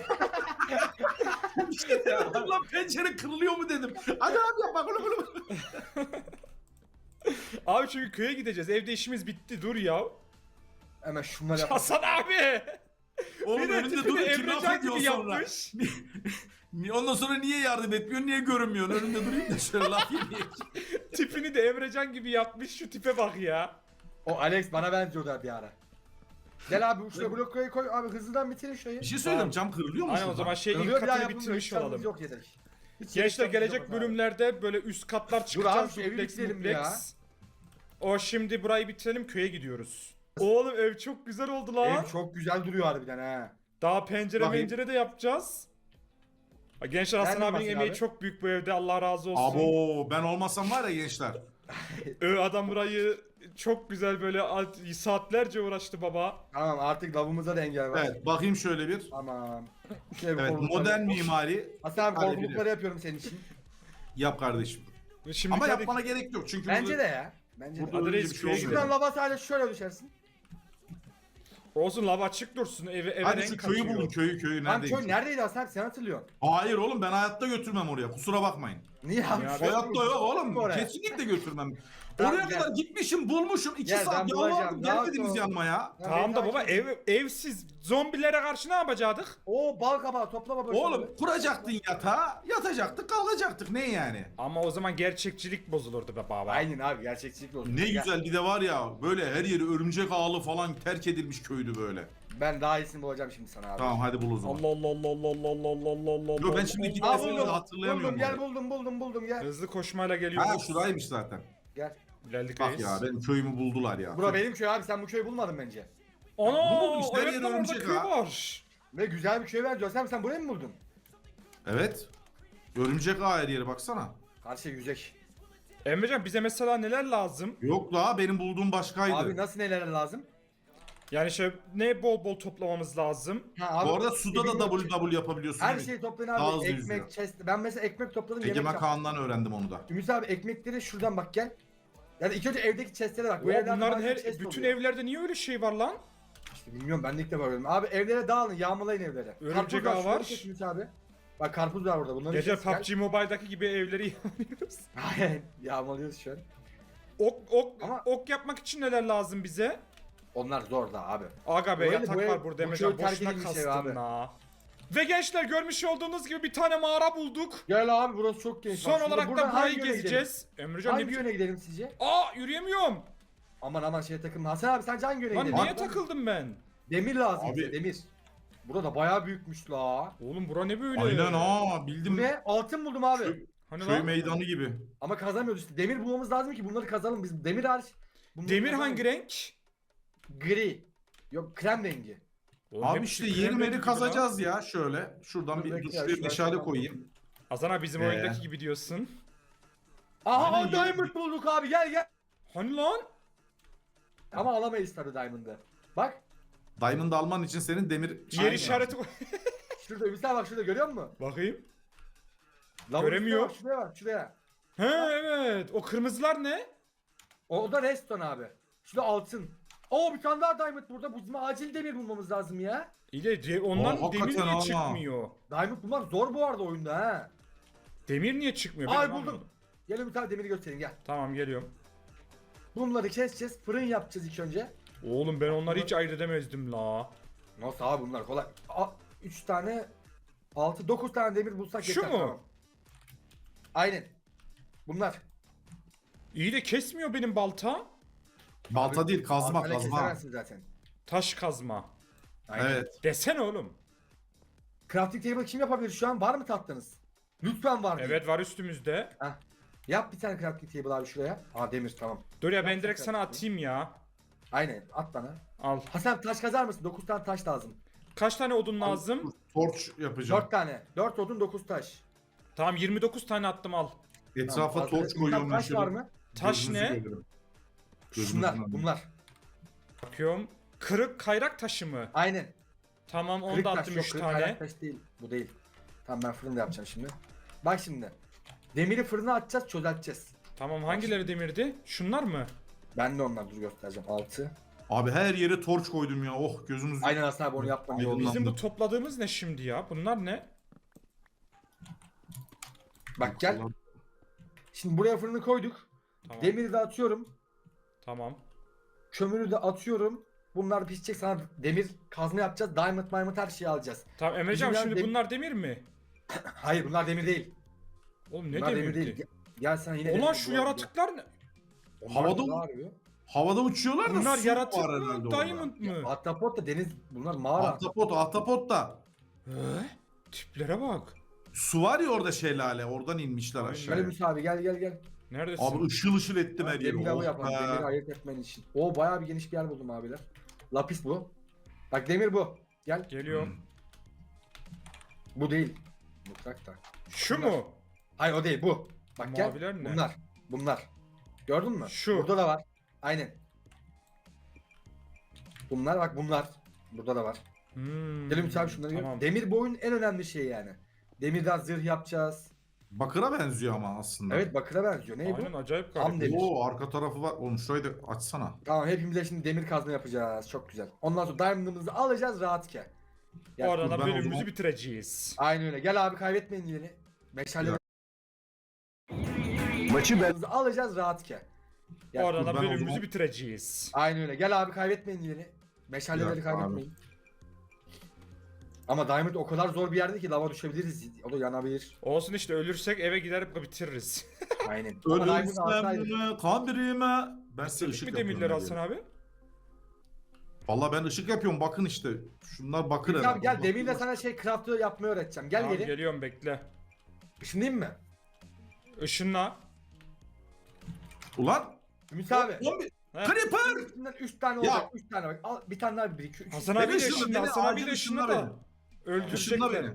[SPEAKER 3] Bir şey dedim lan pencere kırılıyor mu dedim. Hadi abi yap bak. Bala bala bala.
[SPEAKER 1] Abi çünkü köye gideceğiz. Evde işimiz bitti dur ya.
[SPEAKER 2] Hemen şunları yap.
[SPEAKER 1] Hasan abi.
[SPEAKER 3] Oğlum
[SPEAKER 1] Bir de
[SPEAKER 3] önünde
[SPEAKER 1] tipini
[SPEAKER 3] durup kim
[SPEAKER 1] Emrecan
[SPEAKER 3] laf ediyor
[SPEAKER 1] gibi
[SPEAKER 3] sonra.
[SPEAKER 1] yapmış.
[SPEAKER 3] Ni- Ondan sonra niye yardım etmiyor, niye görünmüyor? Önünde durayım da şöyle laf yemeyeyim.
[SPEAKER 1] Tipini de Emrecan gibi yapmış. Şu tipe bak ya.
[SPEAKER 2] O Alex bana benziyordu bir ara. Gel abi şuraya blok koy koy abi hızlıdan bitirin şurayı.
[SPEAKER 3] Bir şey söyleyeyim, cam kırılıyor mu
[SPEAKER 1] Aynen o
[SPEAKER 3] şurada?
[SPEAKER 1] zaman şey ilk
[SPEAKER 2] Kırılıyor, bir daha
[SPEAKER 1] katını
[SPEAKER 2] yapılmıyor,
[SPEAKER 1] bitirmiş
[SPEAKER 2] hiç şansımız
[SPEAKER 1] olalım.
[SPEAKER 2] Yok yeter. Hiç
[SPEAKER 1] Gençler
[SPEAKER 2] şansımız
[SPEAKER 1] gelecek
[SPEAKER 2] yok abi.
[SPEAKER 1] bölümlerde böyle üst katlar
[SPEAKER 2] abi,
[SPEAKER 1] çıkacağız.
[SPEAKER 2] şu evi
[SPEAKER 1] Duplex,
[SPEAKER 2] bitirelim
[SPEAKER 1] duplex.
[SPEAKER 2] ya.
[SPEAKER 1] O şimdi burayı bitirelim köye gidiyoruz. Oğlum ev çok güzel oldu lan.
[SPEAKER 2] Ev çok güzel duruyor harbiden ha.
[SPEAKER 1] Daha pencere
[SPEAKER 3] Bakayım.
[SPEAKER 1] pencere de yapacağız. Ha, Gençler Hasan
[SPEAKER 2] Nereden
[SPEAKER 1] abinin
[SPEAKER 2] bahsediyor
[SPEAKER 1] emeği
[SPEAKER 2] abi?
[SPEAKER 1] çok büyük bu evde Allah razı olsun.
[SPEAKER 3] Abo ben olmasam var ya gençler.
[SPEAKER 1] Ö, adam burayı çok güzel böyle alt- saatlerce uğraştı baba.
[SPEAKER 2] Tamam artık lavımıza da engel var.
[SPEAKER 3] Evet bakayım şöyle bir.
[SPEAKER 2] Tamam. Şu evi
[SPEAKER 3] Evet
[SPEAKER 2] korkulukları-
[SPEAKER 3] modern mimari
[SPEAKER 2] Hasan abi
[SPEAKER 3] Hadi
[SPEAKER 2] korkulukları yapıyorum senin için.
[SPEAKER 3] yap kardeşim.
[SPEAKER 1] Şimdi
[SPEAKER 3] Ama
[SPEAKER 1] hadi-
[SPEAKER 3] yapmana gerek yok çünkü
[SPEAKER 2] Bence
[SPEAKER 3] burada-
[SPEAKER 2] de ya. Bence de.
[SPEAKER 3] burada
[SPEAKER 1] Hadi
[SPEAKER 3] öyle
[SPEAKER 1] reis,
[SPEAKER 3] bir şey
[SPEAKER 1] köye
[SPEAKER 3] olmuyor.
[SPEAKER 2] Şuradan lava sadece şöyle düşersin.
[SPEAKER 1] Olsun lava açık dursun eve, eve
[SPEAKER 3] Hadi
[SPEAKER 1] renk
[SPEAKER 3] şu köyü
[SPEAKER 1] katıyor.
[SPEAKER 3] bulun köyü köyü
[SPEAKER 2] Lan
[SPEAKER 3] neredeymiş?
[SPEAKER 2] köy neredeydi Hasan abi sen hatırlıyorsun.
[SPEAKER 3] Hayır oğlum ben hayatta götürmem oraya kusura bakmayın.
[SPEAKER 2] Niye abi?
[SPEAKER 1] Ya,
[SPEAKER 2] Şöyle
[SPEAKER 3] Hayatta
[SPEAKER 2] bir-
[SPEAKER 3] yok oğlum
[SPEAKER 2] Oraya.
[SPEAKER 3] kesinlikle götürmem.
[SPEAKER 2] Tamam,
[SPEAKER 3] Oraya
[SPEAKER 2] gel.
[SPEAKER 3] kadar gitmişim bulmuşum iki
[SPEAKER 2] Gel, ben
[SPEAKER 3] saat
[SPEAKER 2] bulacağım,
[SPEAKER 3] yalvardım
[SPEAKER 2] rahat
[SPEAKER 3] gelmediniz
[SPEAKER 2] ol.
[SPEAKER 3] yanıma ya.
[SPEAKER 2] Ya
[SPEAKER 1] Tamam da
[SPEAKER 2] beni
[SPEAKER 1] baba
[SPEAKER 2] takip et.
[SPEAKER 1] ev evsiz zombilere karşı ne yapacaktık?
[SPEAKER 2] Oo bal kabağı topla baba.
[SPEAKER 3] Oğlum kuracaktın yatağı yatacaktık kalkacaktık ne yani?
[SPEAKER 1] Ama o zaman gerçekçilik bozulurdu be baba.
[SPEAKER 2] Aynen abi gerçekçilik olsun.
[SPEAKER 3] Ne
[SPEAKER 2] Gel.
[SPEAKER 3] güzel bir de var ya böyle her yeri örümcek ağlı falan terk edilmiş köydü böyle.
[SPEAKER 2] Ben daha iyisini bulacağım şimdi sana abi.
[SPEAKER 3] Tamam hadi bul o zaman.
[SPEAKER 1] Allah Allah Allah Allah Allah Allah Allah Allah Allah.
[SPEAKER 3] Yo ben şimdi
[SPEAKER 2] Aa
[SPEAKER 3] gitmesini
[SPEAKER 2] buldum.
[SPEAKER 3] hatırlayamıyorum.
[SPEAKER 2] Buldum gel
[SPEAKER 3] orayı.
[SPEAKER 2] buldum buldum buldum gel.
[SPEAKER 1] Hızlı koşmayla geliyoruz.
[SPEAKER 3] Ha şuraymış zaten.
[SPEAKER 2] Gel.
[SPEAKER 1] Geldik
[SPEAKER 3] Bak
[SPEAKER 1] reis.
[SPEAKER 3] ya benim köyümü buldular ya.
[SPEAKER 2] Bura benim köy abi sen bu köyü bulmadın bence.
[SPEAKER 1] Ana
[SPEAKER 3] Buldum işte, her
[SPEAKER 1] evet
[SPEAKER 3] yer
[SPEAKER 1] lan orada
[SPEAKER 3] örümcek
[SPEAKER 1] köy
[SPEAKER 3] ha.
[SPEAKER 1] var.
[SPEAKER 2] Ve güzel bir köy ver diyorsun sen, sen burayı mı buldun?
[SPEAKER 3] Evet. Örümcek ağı her yere baksana.
[SPEAKER 2] Karşı yüzek.
[SPEAKER 1] Emrecan bize mesela neler lazım?
[SPEAKER 3] Yok la benim bulduğum başkaydı.
[SPEAKER 2] Abi nasıl neler lazım?
[SPEAKER 1] Yani şey ne bol bol toplamamız lazım.
[SPEAKER 2] Ha, abi,
[SPEAKER 3] Bu arada suda da
[SPEAKER 2] bilmiyorum
[SPEAKER 3] W
[SPEAKER 2] ki.
[SPEAKER 3] W yapabiliyorsun.
[SPEAKER 2] Her
[SPEAKER 3] değil mi?
[SPEAKER 2] şeyi toplayın
[SPEAKER 3] Daha
[SPEAKER 2] abi.
[SPEAKER 3] hızlı
[SPEAKER 2] Ekmek,
[SPEAKER 3] yüzüyor.
[SPEAKER 2] chest. Ben mesela ekmek topladım yemek
[SPEAKER 3] Egemen
[SPEAKER 2] yaptım.
[SPEAKER 3] Kaan'dan öğrendim onu da.
[SPEAKER 2] Ümit abi ekmekleri şuradan bak gel. Yani ilk önce evdeki chestlere bak. Bu
[SPEAKER 1] Oha,
[SPEAKER 2] evlerde
[SPEAKER 1] bunların
[SPEAKER 2] bazen
[SPEAKER 1] her
[SPEAKER 2] chest
[SPEAKER 1] bütün
[SPEAKER 2] oluyor.
[SPEAKER 1] evlerde niye öyle şey var lan?
[SPEAKER 2] İşte bilmiyorum ben de ilk defa gördüm. Abi evlere dağılın yağmalayın evlere.
[SPEAKER 1] Örümcek
[SPEAKER 2] Karpuz
[SPEAKER 1] ağı
[SPEAKER 2] şunları
[SPEAKER 1] var.
[SPEAKER 2] kes Ümit abi. Bak karpuz var burada. Bunları
[SPEAKER 1] Gece
[SPEAKER 2] kes, gel.
[SPEAKER 1] P U B G Mobile'daki gibi evleri yağmıyoruz.
[SPEAKER 2] Aynen yağmalıyoruz şu an.
[SPEAKER 1] Ok ok
[SPEAKER 2] Ama-
[SPEAKER 1] ok yapmak için neler lazım bize?
[SPEAKER 2] Onlar zor da abi.
[SPEAKER 1] Aga be
[SPEAKER 2] Öyle,
[SPEAKER 1] yatak
[SPEAKER 2] bu ev-
[SPEAKER 1] var burada
[SPEAKER 2] bu
[SPEAKER 1] Emrecan
[SPEAKER 2] köy terk
[SPEAKER 1] boşuna
[SPEAKER 2] edilmiş ev
[SPEAKER 1] kastın
[SPEAKER 2] abi.
[SPEAKER 1] la. Ve gençler görmüş olduğunuz gibi bir tane mağara bulduk.
[SPEAKER 2] Gel abi burası çok geniş.
[SPEAKER 1] Son
[SPEAKER 2] Bak, şimdi
[SPEAKER 1] olarak
[SPEAKER 2] buradan
[SPEAKER 1] da burayı
[SPEAKER 2] hangi yöne
[SPEAKER 1] gezeceğiz.
[SPEAKER 2] gidelim?
[SPEAKER 1] Emrecan ne
[SPEAKER 2] Hangi
[SPEAKER 1] biçim...
[SPEAKER 2] yöne gidelim sizce?
[SPEAKER 1] Aa yürüyemiyorum.
[SPEAKER 2] Aman aman şeye takılma. Hasan abi sence hangi yöne
[SPEAKER 1] Lan
[SPEAKER 2] gidelim?
[SPEAKER 1] niye
[SPEAKER 2] Abi,
[SPEAKER 1] takıldım ben?
[SPEAKER 2] Demir lazım
[SPEAKER 3] Abi-
[SPEAKER 2] bize demir. Burada bayağı büyükmüş la.
[SPEAKER 1] Oğlum bura ne böyle?
[SPEAKER 3] Aynen ha
[SPEAKER 2] Bu
[SPEAKER 3] bildim.
[SPEAKER 2] ne? Altın buldum abi.
[SPEAKER 3] Köy,
[SPEAKER 1] Hani
[SPEAKER 3] köy
[SPEAKER 1] lan?
[SPEAKER 3] meydanı gibi.
[SPEAKER 2] Ama kazamıyoruz işte. Demir bulmamız lazım ki bunları kazalım. Biz demir hariç. bunları
[SPEAKER 1] Demir
[SPEAKER 2] kazanamıyoruz.
[SPEAKER 1] hangi renk?
[SPEAKER 2] Gri. Yok krem rengi.
[SPEAKER 1] Oğlum
[SPEAKER 3] Abi
[SPEAKER 1] hepsi
[SPEAKER 3] işte
[SPEAKER 1] krem
[SPEAKER 3] yeri
[SPEAKER 1] rengi
[SPEAKER 3] meri
[SPEAKER 1] gibi
[SPEAKER 3] kazacağız ya şöyle. Şuradan
[SPEAKER 2] Dur
[SPEAKER 3] bir
[SPEAKER 2] bekle
[SPEAKER 3] dur
[SPEAKER 2] ya,
[SPEAKER 3] şuraya
[SPEAKER 2] şuraya
[SPEAKER 3] meşale
[SPEAKER 2] tamam.
[SPEAKER 3] koyayım.
[SPEAKER 1] lan. Hasan bizim
[SPEAKER 3] Ee.
[SPEAKER 1] oyundaki gibi diyorsun.
[SPEAKER 2] Aha
[SPEAKER 3] Aynen,
[SPEAKER 2] diamond bulduk abi gel gel.
[SPEAKER 1] Hani lan?
[SPEAKER 2] Ama alamayız tabii diamond'ı. Bak.
[SPEAKER 3] Diamond alman için senin demir...
[SPEAKER 1] Yer
[SPEAKER 3] Aynen.
[SPEAKER 1] işareti koy.
[SPEAKER 2] Şurada Ümit abi bak şurada görüyor musun?
[SPEAKER 1] Bakayım.
[SPEAKER 2] Lavın
[SPEAKER 1] Göremiyor.
[SPEAKER 2] üstüne Bak, şuraya bak şuraya.
[SPEAKER 1] He evet. O kırmızılar ne?
[SPEAKER 2] O, o da redstone abi. Şurada altın. Oo bir tane daha diamond burada. Bu bizim acil demir bulmamız lazım ya.
[SPEAKER 1] İyi de de- ondan
[SPEAKER 3] Aa,
[SPEAKER 1] demir niye
[SPEAKER 3] hakikaten ama.
[SPEAKER 1] çıkmıyor?
[SPEAKER 2] Diamond bulmak zor bu arada oyunda ha.
[SPEAKER 1] Demir niye çıkmıyor? Ben
[SPEAKER 2] Ay
[SPEAKER 1] onu
[SPEAKER 2] buldum.
[SPEAKER 1] anlamadım.
[SPEAKER 2] Gel Ümit abi demiri göstereyim gel.
[SPEAKER 1] Tamam geliyorum.
[SPEAKER 2] Bunları keseceğiz. Fırın yapacağız ilk önce.
[SPEAKER 1] Oğlum ben onları hiç ayırt edemezdim la.
[SPEAKER 2] Nasıl abi bunlar kolay. üç tane altı dokuz tane demir bulsak
[SPEAKER 1] Şu
[SPEAKER 2] yeter
[SPEAKER 1] mu?
[SPEAKER 2] tamam. Aynen. Bunlar.
[SPEAKER 1] İyi de kesmiyor benim balta.
[SPEAKER 3] Balta
[SPEAKER 2] Abi,
[SPEAKER 3] değil kazma
[SPEAKER 2] baltayla
[SPEAKER 3] kazma.
[SPEAKER 2] kesemezsin zaten.
[SPEAKER 1] Taş kazma.
[SPEAKER 2] Aynen.
[SPEAKER 3] Evet.
[SPEAKER 1] Desene oğlum.
[SPEAKER 2] Crafting table kim yapabilir şu an? Var mı tatlınız? Lütfen var değil.
[SPEAKER 1] Evet var üstümüzde.
[SPEAKER 2] Heh. Yap bir tane crafting table abi şuraya. Aa demir tamam.
[SPEAKER 1] Dur ya ben
[SPEAKER 2] Yapsak
[SPEAKER 1] direkt sana
[SPEAKER 2] yapsak.
[SPEAKER 1] atayım ya.
[SPEAKER 2] Aynen at bana.
[SPEAKER 1] Al.
[SPEAKER 2] Hasan taş kazar mısın? dokuz tane taş lazım.
[SPEAKER 1] Kaç tane odun lazım?
[SPEAKER 3] Torç yapacağım.
[SPEAKER 2] dört tane. dört odun dokuz taş.
[SPEAKER 1] Tamam yirmi dokuz tane attım al.
[SPEAKER 3] Etrafa
[SPEAKER 2] Tamam,
[SPEAKER 3] torç
[SPEAKER 2] fazla-
[SPEAKER 3] koyuyorum.
[SPEAKER 2] Taş
[SPEAKER 3] şöyle.
[SPEAKER 2] var mı?
[SPEAKER 1] Taş
[SPEAKER 3] Gözünüzü
[SPEAKER 1] ne?
[SPEAKER 3] görürüm. Gözünüzü
[SPEAKER 2] Şunlar
[SPEAKER 3] görürüm.
[SPEAKER 2] bunlar.
[SPEAKER 1] Bakıyorum. Kırık kayrak taşı mı?
[SPEAKER 2] Aynen.
[SPEAKER 1] Tamam onu
[SPEAKER 2] Kırık
[SPEAKER 1] da
[SPEAKER 2] taş
[SPEAKER 1] attım
[SPEAKER 2] yok.
[SPEAKER 1] üç
[SPEAKER 2] Kırık
[SPEAKER 1] tane.
[SPEAKER 2] kaynak taş değil. Bu değil. Tamam ben fırında yapacağım şimdi. Bak şimdi. Demiri fırına atacağız çözelteceğiz.
[SPEAKER 1] Tamam hangileri demirdi? Şunlar mı?
[SPEAKER 2] Ben de onlar dur göstereceğim. altı.
[SPEAKER 3] Abi her yere torç koydum ya. Oh gözünüz.
[SPEAKER 2] Aynen Hasan abi onu yapman iyi oldu.
[SPEAKER 3] Aydınlandı.
[SPEAKER 1] Bizim bu topladığımız ne şimdi ya? Bunlar ne?
[SPEAKER 2] Bak gel. Şimdi buraya fırını koyduk.
[SPEAKER 1] Tamam.
[SPEAKER 2] Demiri de atıyorum.
[SPEAKER 1] Tamam.
[SPEAKER 2] Kömürü de atıyorum. Bunlar pişecek, sana demir kazma yapacağız. Diamond, diamond her şeyi alacağız.
[SPEAKER 1] Tamam Emrecan
[SPEAKER 2] Bizimler
[SPEAKER 1] şimdi
[SPEAKER 2] dem-
[SPEAKER 1] bunlar demir mi?
[SPEAKER 2] Hayır bunlar demir değil.
[SPEAKER 1] Oğlum ne
[SPEAKER 2] bunlar demir
[SPEAKER 1] demirdi?
[SPEAKER 2] değil. Gel, gel sen yine.
[SPEAKER 1] Ulan
[SPEAKER 2] demir
[SPEAKER 1] şu
[SPEAKER 2] bul-
[SPEAKER 1] yaratıklar ne?
[SPEAKER 2] Onlar
[SPEAKER 3] Havada
[SPEAKER 2] ne
[SPEAKER 3] mı?
[SPEAKER 2] arıyor?
[SPEAKER 3] Havada uçuyorlar da
[SPEAKER 1] Bunlar
[SPEAKER 3] su
[SPEAKER 1] yaratık
[SPEAKER 3] var
[SPEAKER 1] mı?
[SPEAKER 3] herhalde orada.
[SPEAKER 1] Diamond mı?
[SPEAKER 2] Ahtapot da deniz, bunlar mağara.
[SPEAKER 3] Ahtapot, ahtapot da.
[SPEAKER 1] He? Tiplere bak.
[SPEAKER 3] Su var ya orada şelale. Oradan inmişler
[SPEAKER 1] Aynen.
[SPEAKER 2] Gel
[SPEAKER 3] aşağıya.
[SPEAKER 2] Musa abi gel gel gel.
[SPEAKER 1] Neredesin?
[SPEAKER 3] Abi ışıl ışıl ettim her yeri.
[SPEAKER 2] Demir avı
[SPEAKER 3] Oh
[SPEAKER 2] yapalım.
[SPEAKER 3] be.
[SPEAKER 2] Demiri ayırt etmen için. O bayağı bir geniş bir yer buldum abiler. Lapis bu. Bak demir bu. Gel.
[SPEAKER 1] Geliyorum.
[SPEAKER 3] Hmm.
[SPEAKER 2] Bu değil. Mutfakta.
[SPEAKER 1] Şu mu?
[SPEAKER 2] Hayır o değil bu. Bak
[SPEAKER 1] Maviler
[SPEAKER 2] gel.
[SPEAKER 1] ne?
[SPEAKER 2] Bunlar. Bunlar. Gördün mü?
[SPEAKER 1] Şu.
[SPEAKER 2] Burada da var. Aynen. Bunlar bak bunlar. Burada da var.
[SPEAKER 1] Hmm.
[SPEAKER 2] Gelin Musa abi şunları gör.
[SPEAKER 1] Tamam.
[SPEAKER 2] Demir bu oyunun en önemli şeyi yani. Demirden zırh yapacağız.
[SPEAKER 3] Bakıra benziyor ama aslında.
[SPEAKER 2] Evet bakıra benziyor. Ne
[SPEAKER 1] Aynen
[SPEAKER 2] bu?
[SPEAKER 1] acayip
[SPEAKER 2] Tam
[SPEAKER 1] garip.
[SPEAKER 2] demir.
[SPEAKER 3] Oo arka tarafı var. Oğlum şurayı da açsana.
[SPEAKER 2] Tamam hepimize şimdi demir kazma yapacağız. Çok güzel. Ondan sonra diamond'ımızı alacağız rahatken. Gel.
[SPEAKER 1] Oradan
[SPEAKER 3] ben
[SPEAKER 1] da
[SPEAKER 3] o
[SPEAKER 1] bölümümüzü
[SPEAKER 3] zaman-
[SPEAKER 1] bitireceğiz.
[SPEAKER 2] Aynen öyle. Gel abi kaybetmeyin yeri. Meşale
[SPEAKER 3] Ya.
[SPEAKER 2] maçı ben alacağız rahatken. Gel.
[SPEAKER 1] Oradan
[SPEAKER 3] dur,
[SPEAKER 1] da
[SPEAKER 3] ben o
[SPEAKER 1] bölümümüzü
[SPEAKER 3] zaman-
[SPEAKER 1] bitireceğiz.
[SPEAKER 2] Aynen öyle. Gel abi kaybetmeyin yeri. Meşaleleri
[SPEAKER 3] dakika abi.
[SPEAKER 2] kaybetmeyin. Ama Diamond o kadar zor bir yerde ki lava düşebiliriz. O da yanabilir.
[SPEAKER 1] Olsun işte ölürsek eve gider bitiririz.
[SPEAKER 2] Aynen. Ama Diamond'ı
[SPEAKER 3] Ölürsem
[SPEAKER 2] alsaydık.
[SPEAKER 3] mi kabirime. Ben size
[SPEAKER 1] Bitirdik
[SPEAKER 3] ışık
[SPEAKER 1] mi
[SPEAKER 3] yapıyorum.
[SPEAKER 1] demirleri
[SPEAKER 3] her
[SPEAKER 1] Hasan
[SPEAKER 3] yere.
[SPEAKER 1] abi?
[SPEAKER 3] Valla ben ışık yapıyorum bakın işte. Şunlar bakır
[SPEAKER 2] Ümit
[SPEAKER 3] herhalde.
[SPEAKER 2] abi gel demirle sana şey craft'ı yapmayı öğreteceğim. Gel
[SPEAKER 1] Tamam,
[SPEAKER 2] geri.
[SPEAKER 1] geliyorum bekle.
[SPEAKER 2] Işınlayayım mı?
[SPEAKER 1] Işınla.
[SPEAKER 3] Ulan.
[SPEAKER 2] Ümit abi.
[SPEAKER 3] Oğlum bir-
[SPEAKER 1] Heh.
[SPEAKER 3] Creeper.
[SPEAKER 2] Üstünden üç tane
[SPEAKER 3] Ya.
[SPEAKER 2] olacak. üç tane bak. Al bir tane daha bir iki. üç.
[SPEAKER 1] Hasan
[SPEAKER 3] Beni
[SPEAKER 1] abi de
[SPEAKER 3] ışınla,
[SPEAKER 1] ışınla.
[SPEAKER 3] beni
[SPEAKER 1] Hasan abi
[SPEAKER 3] acil
[SPEAKER 1] de ışınla
[SPEAKER 3] ışınla
[SPEAKER 1] da.
[SPEAKER 3] beni. Işınla
[SPEAKER 1] Öldürecekler.
[SPEAKER 3] beni.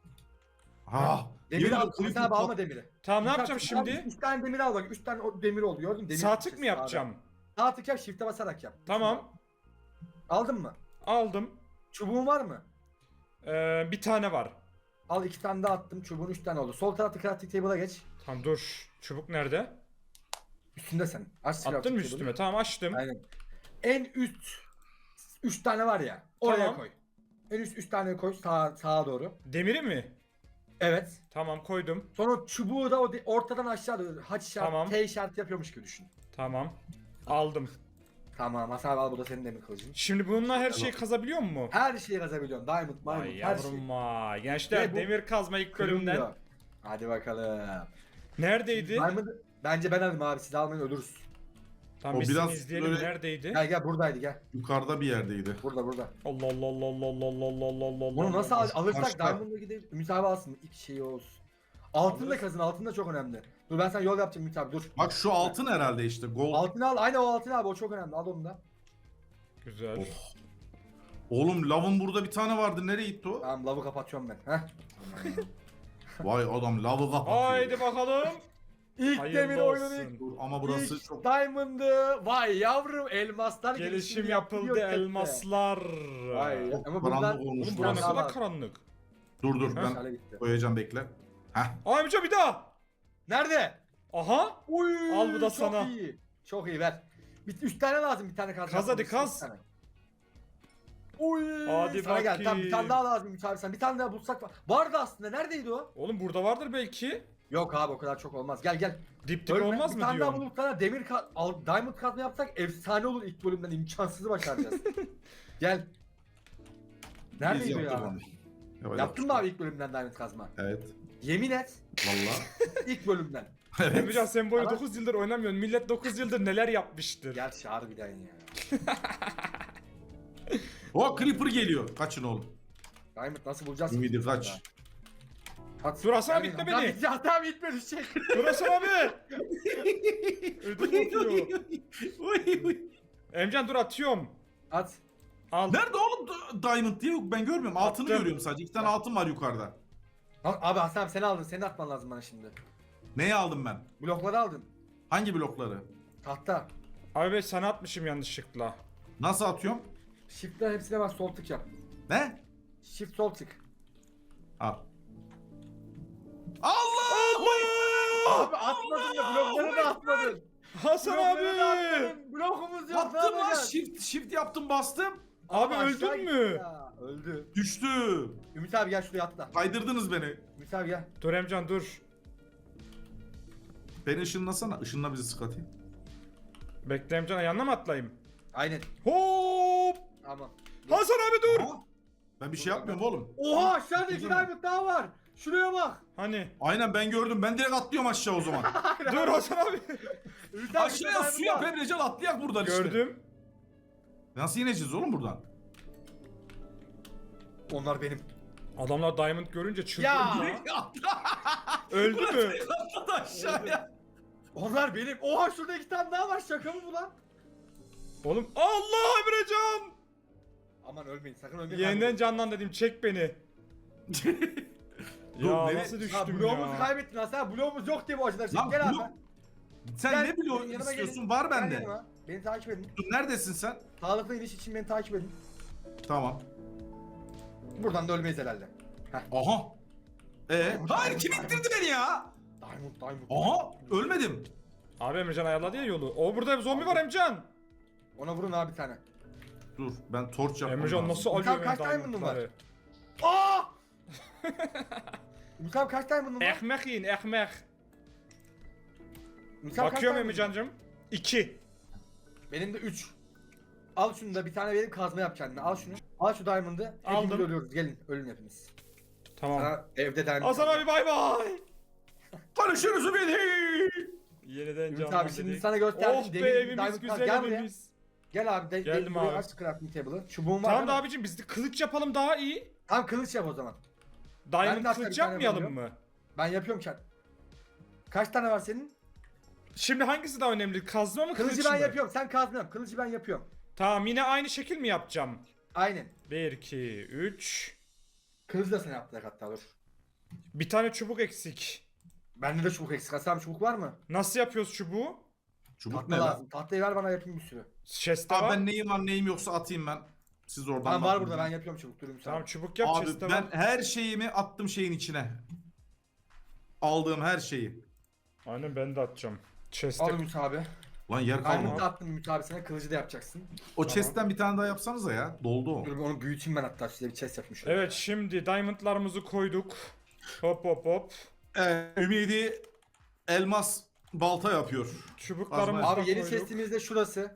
[SPEAKER 3] Ah.
[SPEAKER 2] Demiri
[SPEAKER 3] yemin
[SPEAKER 2] al.
[SPEAKER 3] ederim
[SPEAKER 2] Hasan
[SPEAKER 3] creeper
[SPEAKER 2] abi alma
[SPEAKER 3] pat-
[SPEAKER 2] demiri.
[SPEAKER 1] Tamam ne
[SPEAKER 2] Ümit
[SPEAKER 1] yapacağım
[SPEAKER 2] abi,
[SPEAKER 1] şimdi?
[SPEAKER 2] üç tane demir al bak. üç tane o demir oldu gördün mü? Demir
[SPEAKER 1] Sağ tık
[SPEAKER 2] parçası
[SPEAKER 1] mı yapacağım?
[SPEAKER 2] Sağ tık yap shift'e basarak yap.
[SPEAKER 1] Tamam.
[SPEAKER 2] Aldın mı?
[SPEAKER 1] Aldım.
[SPEAKER 2] Çubuğun var mı?
[SPEAKER 1] Ee, bir tane var.
[SPEAKER 2] Al iki tane daha attım. Çubuğun üç tane oldu. Sol tarafta crafting table'a geç.
[SPEAKER 1] Tamam dur. Çubuk nerede?
[SPEAKER 2] Üstünde sen. Aç
[SPEAKER 1] Attın
[SPEAKER 2] crafting
[SPEAKER 1] mı
[SPEAKER 2] table'ı.
[SPEAKER 1] üstüme? Tamam açtım.
[SPEAKER 2] Aynen. En üst üç tane var ya. Oraya
[SPEAKER 1] Tamam.
[SPEAKER 2] koy. En üst üç tane koy sağa, sağa doğru.
[SPEAKER 1] Demiri mi?
[SPEAKER 2] Evet.
[SPEAKER 1] Tamam koydum.
[SPEAKER 2] Sonra çubuğu da o de- ortadan aşağı doğru haç işareti,
[SPEAKER 1] Tamam.
[SPEAKER 2] T işareti yapıyormuş gibi düşün.
[SPEAKER 1] Tamam. Aldım.
[SPEAKER 2] Tamam Hasan abi al bu da senin demir kılıcın.
[SPEAKER 1] Şimdi bununla her şeyi kazabiliyor mu?
[SPEAKER 2] Her şeyi yazabiliyorsun. Diamond, diamond,
[SPEAKER 1] Ay
[SPEAKER 2] her şey.
[SPEAKER 1] yavrum vay. Gençler
[SPEAKER 2] Ve bu
[SPEAKER 1] demir kazma ilk bölümden.
[SPEAKER 2] Kırılmıyor. Hadi bakalım.
[SPEAKER 1] Neredeydi?
[SPEAKER 2] Diamond'ı bence ben alayım abi. Siz almayın ölürüz.
[SPEAKER 1] Tamam
[SPEAKER 3] O
[SPEAKER 1] biz
[SPEAKER 3] biraz
[SPEAKER 1] seni izleyelim.
[SPEAKER 3] böyle-
[SPEAKER 1] Neredeydi?
[SPEAKER 2] Gel gel buradaydı gel.
[SPEAKER 3] Yukarıda bir yerdeydi.
[SPEAKER 2] Burada burada.
[SPEAKER 1] Allah Allah Allah Allah Allah Allah Allah Allah Allah.
[SPEAKER 2] Bunu nasıl al- alırsak
[SPEAKER 3] Başka.
[SPEAKER 2] Diamond'a gidip Ümit abi alsın. İlk şeyi olsun. Altın da
[SPEAKER 1] Alırız.
[SPEAKER 2] kazın. Altın da çok önemli. Dur ben sana yol yapacağım Ümit abi dur.
[SPEAKER 3] Bak şu altın herhalde işte gold.
[SPEAKER 2] Altını al. Aynen o altın abi o çok önemli. Al onu da.
[SPEAKER 1] Güzel.
[SPEAKER 3] Oh. Oğlum lavın burada bir tane vardı. Nereye gitti o?
[SPEAKER 2] Tamam lavı kapatıyorum ben. Heh.
[SPEAKER 3] Vay adam lavı kapatıyor.
[SPEAKER 1] Haydi bakalım.
[SPEAKER 2] İlk
[SPEAKER 1] Hayırlı
[SPEAKER 2] demir oyunun ilk.
[SPEAKER 1] olsun.
[SPEAKER 3] Dur, ama burası
[SPEAKER 2] ilk
[SPEAKER 3] çok...
[SPEAKER 2] Diamond'ı. Vay yavrum elmaslar
[SPEAKER 1] Gelişim
[SPEAKER 2] yaptı
[SPEAKER 1] yapıldı
[SPEAKER 2] diyor chatte.
[SPEAKER 1] elmaslar.
[SPEAKER 2] Vay
[SPEAKER 3] Çok
[SPEAKER 2] ama
[SPEAKER 3] karanlık
[SPEAKER 2] buradan
[SPEAKER 3] olmuş
[SPEAKER 1] Oğlum
[SPEAKER 3] burası.
[SPEAKER 1] bura ne
[SPEAKER 2] Daha
[SPEAKER 1] kadar
[SPEAKER 2] var.
[SPEAKER 1] karanlık.
[SPEAKER 3] Dur dur ben
[SPEAKER 2] Meşale gitti.
[SPEAKER 3] koyacağım bekle. Heh.
[SPEAKER 1] Ay amca bir daha.
[SPEAKER 2] Nerede?
[SPEAKER 1] Aha.
[SPEAKER 2] Uy,
[SPEAKER 1] Al bu da
[SPEAKER 2] çok
[SPEAKER 1] sana.
[SPEAKER 2] iyi. Çok iyi ver. Bir, üç tane lazım bir tane kaz.
[SPEAKER 1] Kaz hadi,
[SPEAKER 2] yapmamız,
[SPEAKER 1] kaz.
[SPEAKER 2] üç tane. Uy.
[SPEAKER 1] Hadi
[SPEAKER 2] sana gel. Tamam bir
[SPEAKER 1] bakayım.
[SPEAKER 2] tane daha lazım Ümit abi sen. Bir tane daha bulsak var. Vardı aslında. Neredeydi o?
[SPEAKER 1] Oğlum burada vardır belki.
[SPEAKER 2] Yok abi o kadar çok olmaz. Gel gel.
[SPEAKER 1] Dip dip
[SPEAKER 2] Ölme.
[SPEAKER 1] olmaz
[SPEAKER 2] bir
[SPEAKER 1] mı
[SPEAKER 2] tane daha
[SPEAKER 1] diyorsun?
[SPEAKER 2] bulup sana demir ka- al, diamond kazma yapsak efsane olur ilk bölümden imkansızı başaracağız. Gel.
[SPEAKER 3] Biz
[SPEAKER 2] Neredeydi
[SPEAKER 3] yaptık
[SPEAKER 2] ya?
[SPEAKER 3] onu. Evet,
[SPEAKER 2] Yaptın mı abi ilk bölümden diamond kazma?
[SPEAKER 3] Evet.
[SPEAKER 2] Yemin et.
[SPEAKER 3] Valla.
[SPEAKER 2] İlk bölümden.
[SPEAKER 1] Emrecan sen böyle
[SPEAKER 2] Ama-
[SPEAKER 1] dokuz yıldır oynamıyorsun. Millet dokuz yıldır neler yapmıştır.
[SPEAKER 2] Gerçi harbiden ya.
[SPEAKER 3] O creeper geliyor. Kaçın oğlum.
[SPEAKER 2] Diamond nasıl bulacağız?
[SPEAKER 3] Ümidi kaç.
[SPEAKER 2] At.
[SPEAKER 1] Dur Hasan abi,
[SPEAKER 2] Yani
[SPEAKER 1] itme
[SPEAKER 2] Hasan
[SPEAKER 1] beni.
[SPEAKER 2] abi, Hasan abi itme düşecek.
[SPEAKER 1] Dur Hasan abi. Ödüm kopuyor.
[SPEAKER 3] Uy, uy.
[SPEAKER 1] Emcan dur atıyorum.
[SPEAKER 2] At.
[SPEAKER 1] Al.
[SPEAKER 3] Nerede oğlum D- Diamond diye ben görmüyorum. Altını
[SPEAKER 1] Attım.
[SPEAKER 3] görüyorum sadece. İki tane altın var yukarıda.
[SPEAKER 2] Ha- Abi Hasan abi seni aldın. Seni atman lazım bana şimdi.
[SPEAKER 3] Neyi aldım ben?
[SPEAKER 2] Blokları aldın.
[SPEAKER 3] Hangi blokları?
[SPEAKER 2] Tahta.
[SPEAKER 1] Abi ben sana atmışım yanlışlıkla.
[SPEAKER 3] Nasıl atıyorum?
[SPEAKER 2] Shift'ten hepsine bak, sol tık yap.
[SPEAKER 3] Ne?
[SPEAKER 2] Shift sol tık.
[SPEAKER 3] Al. Allah!
[SPEAKER 2] Abi atmadın da blokları da atmadın.
[SPEAKER 1] Hasan
[SPEAKER 2] Blokları da
[SPEAKER 1] abi.
[SPEAKER 2] atmadın. Blokumuz yok. ne
[SPEAKER 3] Attım lan,
[SPEAKER 2] yapacağız?
[SPEAKER 3] shift shift yaptım, bastım.
[SPEAKER 1] Abi
[SPEAKER 2] aşağı
[SPEAKER 1] öldün
[SPEAKER 2] gitti
[SPEAKER 1] mü?
[SPEAKER 2] ya, Öldü.
[SPEAKER 3] Düştü.
[SPEAKER 2] Ümit abi gel şuraya atla.
[SPEAKER 3] Kaydırdınız beni.
[SPEAKER 2] Ümit abi gel.
[SPEAKER 1] Dur Emcan dur.
[SPEAKER 3] Beni ışınlasana. Işınla bizi Scotty.
[SPEAKER 1] Bekle Emcan, yanına mı atlayayım?
[SPEAKER 2] Aynen.
[SPEAKER 1] Hop.
[SPEAKER 2] Tamam.
[SPEAKER 1] Hasan abi dur.
[SPEAKER 3] Aa, ben bir şey yapmıyorum oğlum.
[SPEAKER 2] Oha aşağıda iki diamond daha var. Şuraya bak.
[SPEAKER 1] Hani?
[SPEAKER 3] Aynen, ben gördüm. Ben direkt atlıyorum aşağı o zaman.
[SPEAKER 1] Dur Hasan abi.
[SPEAKER 2] Ümit abi,
[SPEAKER 3] Aşağıya
[SPEAKER 2] diamond
[SPEAKER 3] su yap
[SPEAKER 2] var.
[SPEAKER 3] Emrecan, atlayak buradan işte.
[SPEAKER 1] Gördüm.
[SPEAKER 3] Nasıl ineceğiz oğlum buradan?
[SPEAKER 2] Onlar benim.
[SPEAKER 1] Adamlar diamond görünce çıldırdı.
[SPEAKER 2] Ya.
[SPEAKER 3] Direkt atla.
[SPEAKER 1] Öldü mü?
[SPEAKER 3] Atladı aşağıya.
[SPEAKER 2] Onlar benim. Oha şurada iki tane daha var. Şaka mı bu lan?
[SPEAKER 1] Oğlum Allah Emrecan.
[SPEAKER 2] Aman ölmeyin, sakın ölmeyin.
[SPEAKER 1] Yeniden canlan dedim, çek beni.
[SPEAKER 3] Dur,
[SPEAKER 1] Ya
[SPEAKER 3] nereye-
[SPEAKER 1] nasıl
[SPEAKER 2] Ha,
[SPEAKER 1] düştüm
[SPEAKER 2] bloğumuzu
[SPEAKER 1] ya.
[SPEAKER 2] kaybettin Hasan. Bloğumuz yok diye bu acılar.
[SPEAKER 3] Lan
[SPEAKER 2] Gel abi.
[SPEAKER 3] blok- Sen
[SPEAKER 2] Gel,
[SPEAKER 3] ne biliyor
[SPEAKER 2] benim yanıma
[SPEAKER 3] istiyorsun?
[SPEAKER 2] gelin.
[SPEAKER 3] Var
[SPEAKER 2] Gel
[SPEAKER 3] bende.
[SPEAKER 2] yanıma. Beni takip edin.
[SPEAKER 3] Dur, neredesin sen?
[SPEAKER 2] Sağlıklı iniş için beni takip edin.
[SPEAKER 3] Tamam.
[SPEAKER 2] Buradan da ölmeyiz herhalde.
[SPEAKER 3] Aha. Ee, hayır, kim ittirdi beni ya?
[SPEAKER 2] Diamond, diamond.
[SPEAKER 3] Aha, ölmedim.
[SPEAKER 1] Abi Emrecan ayarladı ya yolu. O burada zombi var Emcan.
[SPEAKER 2] Ona vurun abi bir tane.
[SPEAKER 3] Dur, ben torç yapmam
[SPEAKER 1] Emrecan
[SPEAKER 3] lazım.
[SPEAKER 1] nasıl
[SPEAKER 2] Tamam,
[SPEAKER 1] alıyor
[SPEAKER 2] kaç
[SPEAKER 1] benim
[SPEAKER 2] diamond'un var?
[SPEAKER 1] diamondları?
[SPEAKER 2] Aa! Ümit abi kaç diamond'un var?
[SPEAKER 1] Ekmek yiyin ekmek.
[SPEAKER 2] Ümit abi kaç
[SPEAKER 1] Bakıyorum
[SPEAKER 2] diamond'un var?
[SPEAKER 1] Emrecan'cım. İki.
[SPEAKER 2] Benim de üç. Al şunu da bir tane verip kazma yap kendine. Al şunu. Al şu diamond'ı. Hepimiz
[SPEAKER 1] Aldım.
[SPEAKER 2] ölüyoruz. Gelin ölün hepimiz.
[SPEAKER 1] Tamam.
[SPEAKER 2] Sana evde diamond.
[SPEAKER 1] Hasan
[SPEAKER 2] kaldı.
[SPEAKER 1] abi bay bay.
[SPEAKER 3] Konuşuruz beni.
[SPEAKER 1] Yeniden
[SPEAKER 2] Ümit
[SPEAKER 1] canlan
[SPEAKER 2] abi şimdi
[SPEAKER 1] dedik.
[SPEAKER 2] sana gösterdim.
[SPEAKER 1] Oh be,
[SPEAKER 2] Demir bir
[SPEAKER 1] evimiz
[SPEAKER 2] diamond var.
[SPEAKER 1] güzel
[SPEAKER 2] Gel buraya.
[SPEAKER 1] evimiz.
[SPEAKER 2] Gel abi. De,
[SPEAKER 1] Geldim
[SPEAKER 2] de, buraya
[SPEAKER 1] abi.
[SPEAKER 2] aç crafting table'ı. Çubuğun var
[SPEAKER 1] Tamam da
[SPEAKER 2] değil mi?
[SPEAKER 1] abicim biz de kılıç yapalım daha iyi.
[SPEAKER 2] Tamam kılıç yap o zaman.
[SPEAKER 1] Diamond
[SPEAKER 2] Ben de hatta
[SPEAKER 1] kılıç
[SPEAKER 2] bir tane
[SPEAKER 1] yapmayalım
[SPEAKER 2] yapıyorum.
[SPEAKER 1] mı?
[SPEAKER 2] Ben yapıyorum kendim. Kaç tane var senin?
[SPEAKER 1] Şimdi hangisi daha önemli? Kazma mı kılıç
[SPEAKER 2] Kılıcı ben
[SPEAKER 1] mı?
[SPEAKER 2] yapıyorum. Sen kazma yap. Kılıcı ben yapıyorum.
[SPEAKER 1] Tamam, yine aynı şekil mi yapacağım?
[SPEAKER 2] Aynen.
[SPEAKER 1] bir, iki, üç.
[SPEAKER 2] Kılıcı da sen yaptık hatta dur.
[SPEAKER 1] Bir tane çubuk eksik.
[SPEAKER 2] Bende de çubuk eksik. Hasan çubuk var mı?
[SPEAKER 1] Nasıl yapıyoruz çubuğu?
[SPEAKER 3] Çubuk
[SPEAKER 2] Tahta
[SPEAKER 3] ne lan?
[SPEAKER 2] lazım. Tahtayı ver bana yapayım bir sürü.
[SPEAKER 1] Chest'te
[SPEAKER 3] Abi
[SPEAKER 1] var.
[SPEAKER 3] ben neyim var neyim yoksa atayım ben. Siz oradan
[SPEAKER 2] Tamam var
[SPEAKER 3] bakın.
[SPEAKER 2] burada ben yapıyorum çubuk. Durun sen.
[SPEAKER 1] Tamam çubuk yap,
[SPEAKER 3] Abi
[SPEAKER 1] chest'te
[SPEAKER 3] ben
[SPEAKER 1] var.
[SPEAKER 3] her şeyimi attım şeyin içine. Aldığım her şeyi.
[SPEAKER 1] Aynen, ben de atacağım. Chest'te.
[SPEAKER 2] Al Ümit abi.
[SPEAKER 3] Lan yer
[SPEAKER 2] Diamond
[SPEAKER 3] kalmadı.
[SPEAKER 2] da attım Ümit abi sana. Kılıcı da yapacaksın.
[SPEAKER 3] O chest'ten bir tane daha yapsanıza ya. Doldu o.
[SPEAKER 2] Dur onu büyüteyim ben hatta size bir chest yapmış. olayım.
[SPEAKER 1] Evet, şimdi diamondlarımızı koyduk. Hop hop hop.
[SPEAKER 3] Ee, Ümidi elmas balta yapıyor.
[SPEAKER 1] Çubuklarımızı da
[SPEAKER 2] Abi yeni
[SPEAKER 1] koyduk.
[SPEAKER 2] chestimiz de şurası.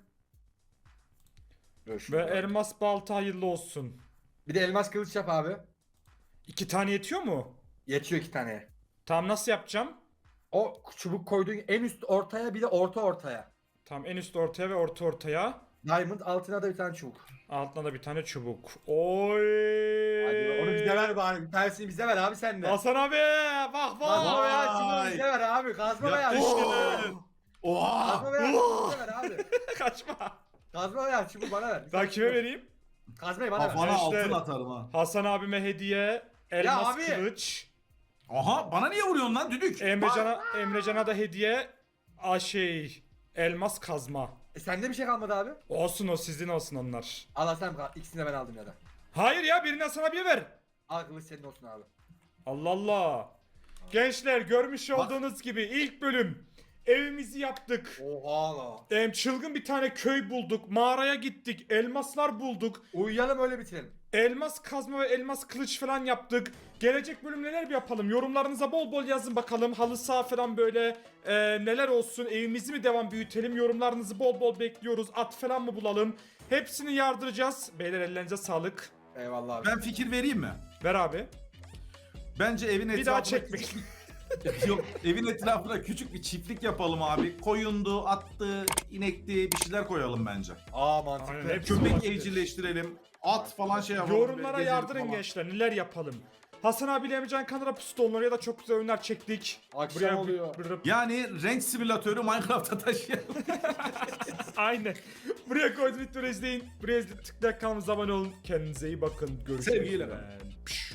[SPEAKER 2] Dur
[SPEAKER 1] Ve
[SPEAKER 2] şurada.
[SPEAKER 1] elmas balta hayırlı olsun.
[SPEAKER 2] Bir de elmas kılıç yap abi.
[SPEAKER 1] İki tane yetiyor mu?
[SPEAKER 2] Yetiyor iki taneye.
[SPEAKER 1] Tamam, nasıl yapacağım?
[SPEAKER 2] O çubuk koyduğun en üst ortaya bir de orta ortaya.
[SPEAKER 1] Tamam, en üst ortaya ve orta ortaya.
[SPEAKER 2] Diamond altına da bir tane çubuk.
[SPEAKER 1] Altına da bir tane çubuk. Oy.
[SPEAKER 2] Hadi onu bize ver bari. Bir tanesini bize ver abi sen de.
[SPEAKER 1] Hasan abi bak
[SPEAKER 2] Kazma
[SPEAKER 1] bak.
[SPEAKER 2] veya çubuğu
[SPEAKER 3] Vay.
[SPEAKER 2] bize ver abi. Kazma veya
[SPEAKER 3] Yapıştır. Oha!
[SPEAKER 2] Kazma veya çubuğu bize ver abi.
[SPEAKER 1] Kaçma.
[SPEAKER 2] Kazma veya çubuğu bana ver. Bir
[SPEAKER 1] Daha
[SPEAKER 2] tane
[SPEAKER 1] kime
[SPEAKER 2] çubuk.
[SPEAKER 1] vereyim?
[SPEAKER 2] Kazmayı bana ver.
[SPEAKER 3] Kafana
[SPEAKER 1] Gençler.
[SPEAKER 3] altın atarım ha.
[SPEAKER 1] Hasan abime hediye elmas
[SPEAKER 2] abi.
[SPEAKER 1] kılıç.
[SPEAKER 3] Aha, bana niye vuruyorsun lan düdük?
[SPEAKER 1] Emrecan'a Emrecan'a da hediye a şey elmas kazma.
[SPEAKER 2] E sende bir şey kalmadı abi.
[SPEAKER 1] Olsun, o sizin olsun onlar.
[SPEAKER 2] Al Hasan kal. İkisini de ben aldım ya da.
[SPEAKER 1] Hayır ya, birini Hasan abiye ver.
[SPEAKER 2] Al kılıç senin olsun abi.
[SPEAKER 1] Allah Allah. Gençler, görmüş olduğunuz gibi ilk bölüm evimizi yaptık.
[SPEAKER 2] Oha la.
[SPEAKER 1] Em, çılgın bir tane köy bulduk. Mağaraya gittik. Elmaslar bulduk.
[SPEAKER 2] Uyuyalım öyle bitirelim.
[SPEAKER 1] Elmas kazma ve elmas kılıç falan yaptık. Gelecek bölüm neler yapalım? Yorumlarınıza bol bol yazın bakalım. Halı saha falan böyle e, neler olsun? Evimizi mi devam büyütelim? Yorumlarınızı bol bol bekliyoruz. At falan mı bulalım? Hepsini yardıracağız. Beyler, ellerinize sağlık.
[SPEAKER 2] Eyvallah abi.
[SPEAKER 3] Ben fikir vereyim mi?
[SPEAKER 1] Ver abi.
[SPEAKER 3] Bence evin etrafına...
[SPEAKER 1] Bir daha çekmek.
[SPEAKER 3] Yok, evin etrafına küçük bir çiftlik yapalım abi. Koyundu, attı, inekti, bir şeyler koyalım bence.
[SPEAKER 2] Aa mantıklı.
[SPEAKER 1] Aynen, hep
[SPEAKER 3] Köpek
[SPEAKER 1] olabilir.
[SPEAKER 3] evcilleştirelim. At falan şey yapalım.
[SPEAKER 1] Yorumlara
[SPEAKER 3] gezelim
[SPEAKER 1] yardırın
[SPEAKER 3] falan.
[SPEAKER 1] gençler, neler yapalım. Hasan abiyle Emrecan kanala pistonları ya da çok güzel oyunlar çektik.
[SPEAKER 2] Akşam
[SPEAKER 1] Buraya
[SPEAKER 2] oluyor.
[SPEAKER 1] bir- bir-
[SPEAKER 3] Yani renk simülatörü Minecraft'a taşıyalım.
[SPEAKER 1] Aynen. Buraya koydum videoları izleyin. Buraya tıklayarak kanalımıza abone olun. Kendinize iyi bakın. Görüşmek
[SPEAKER 3] Sevgiyle
[SPEAKER 1] üzere. Pşş.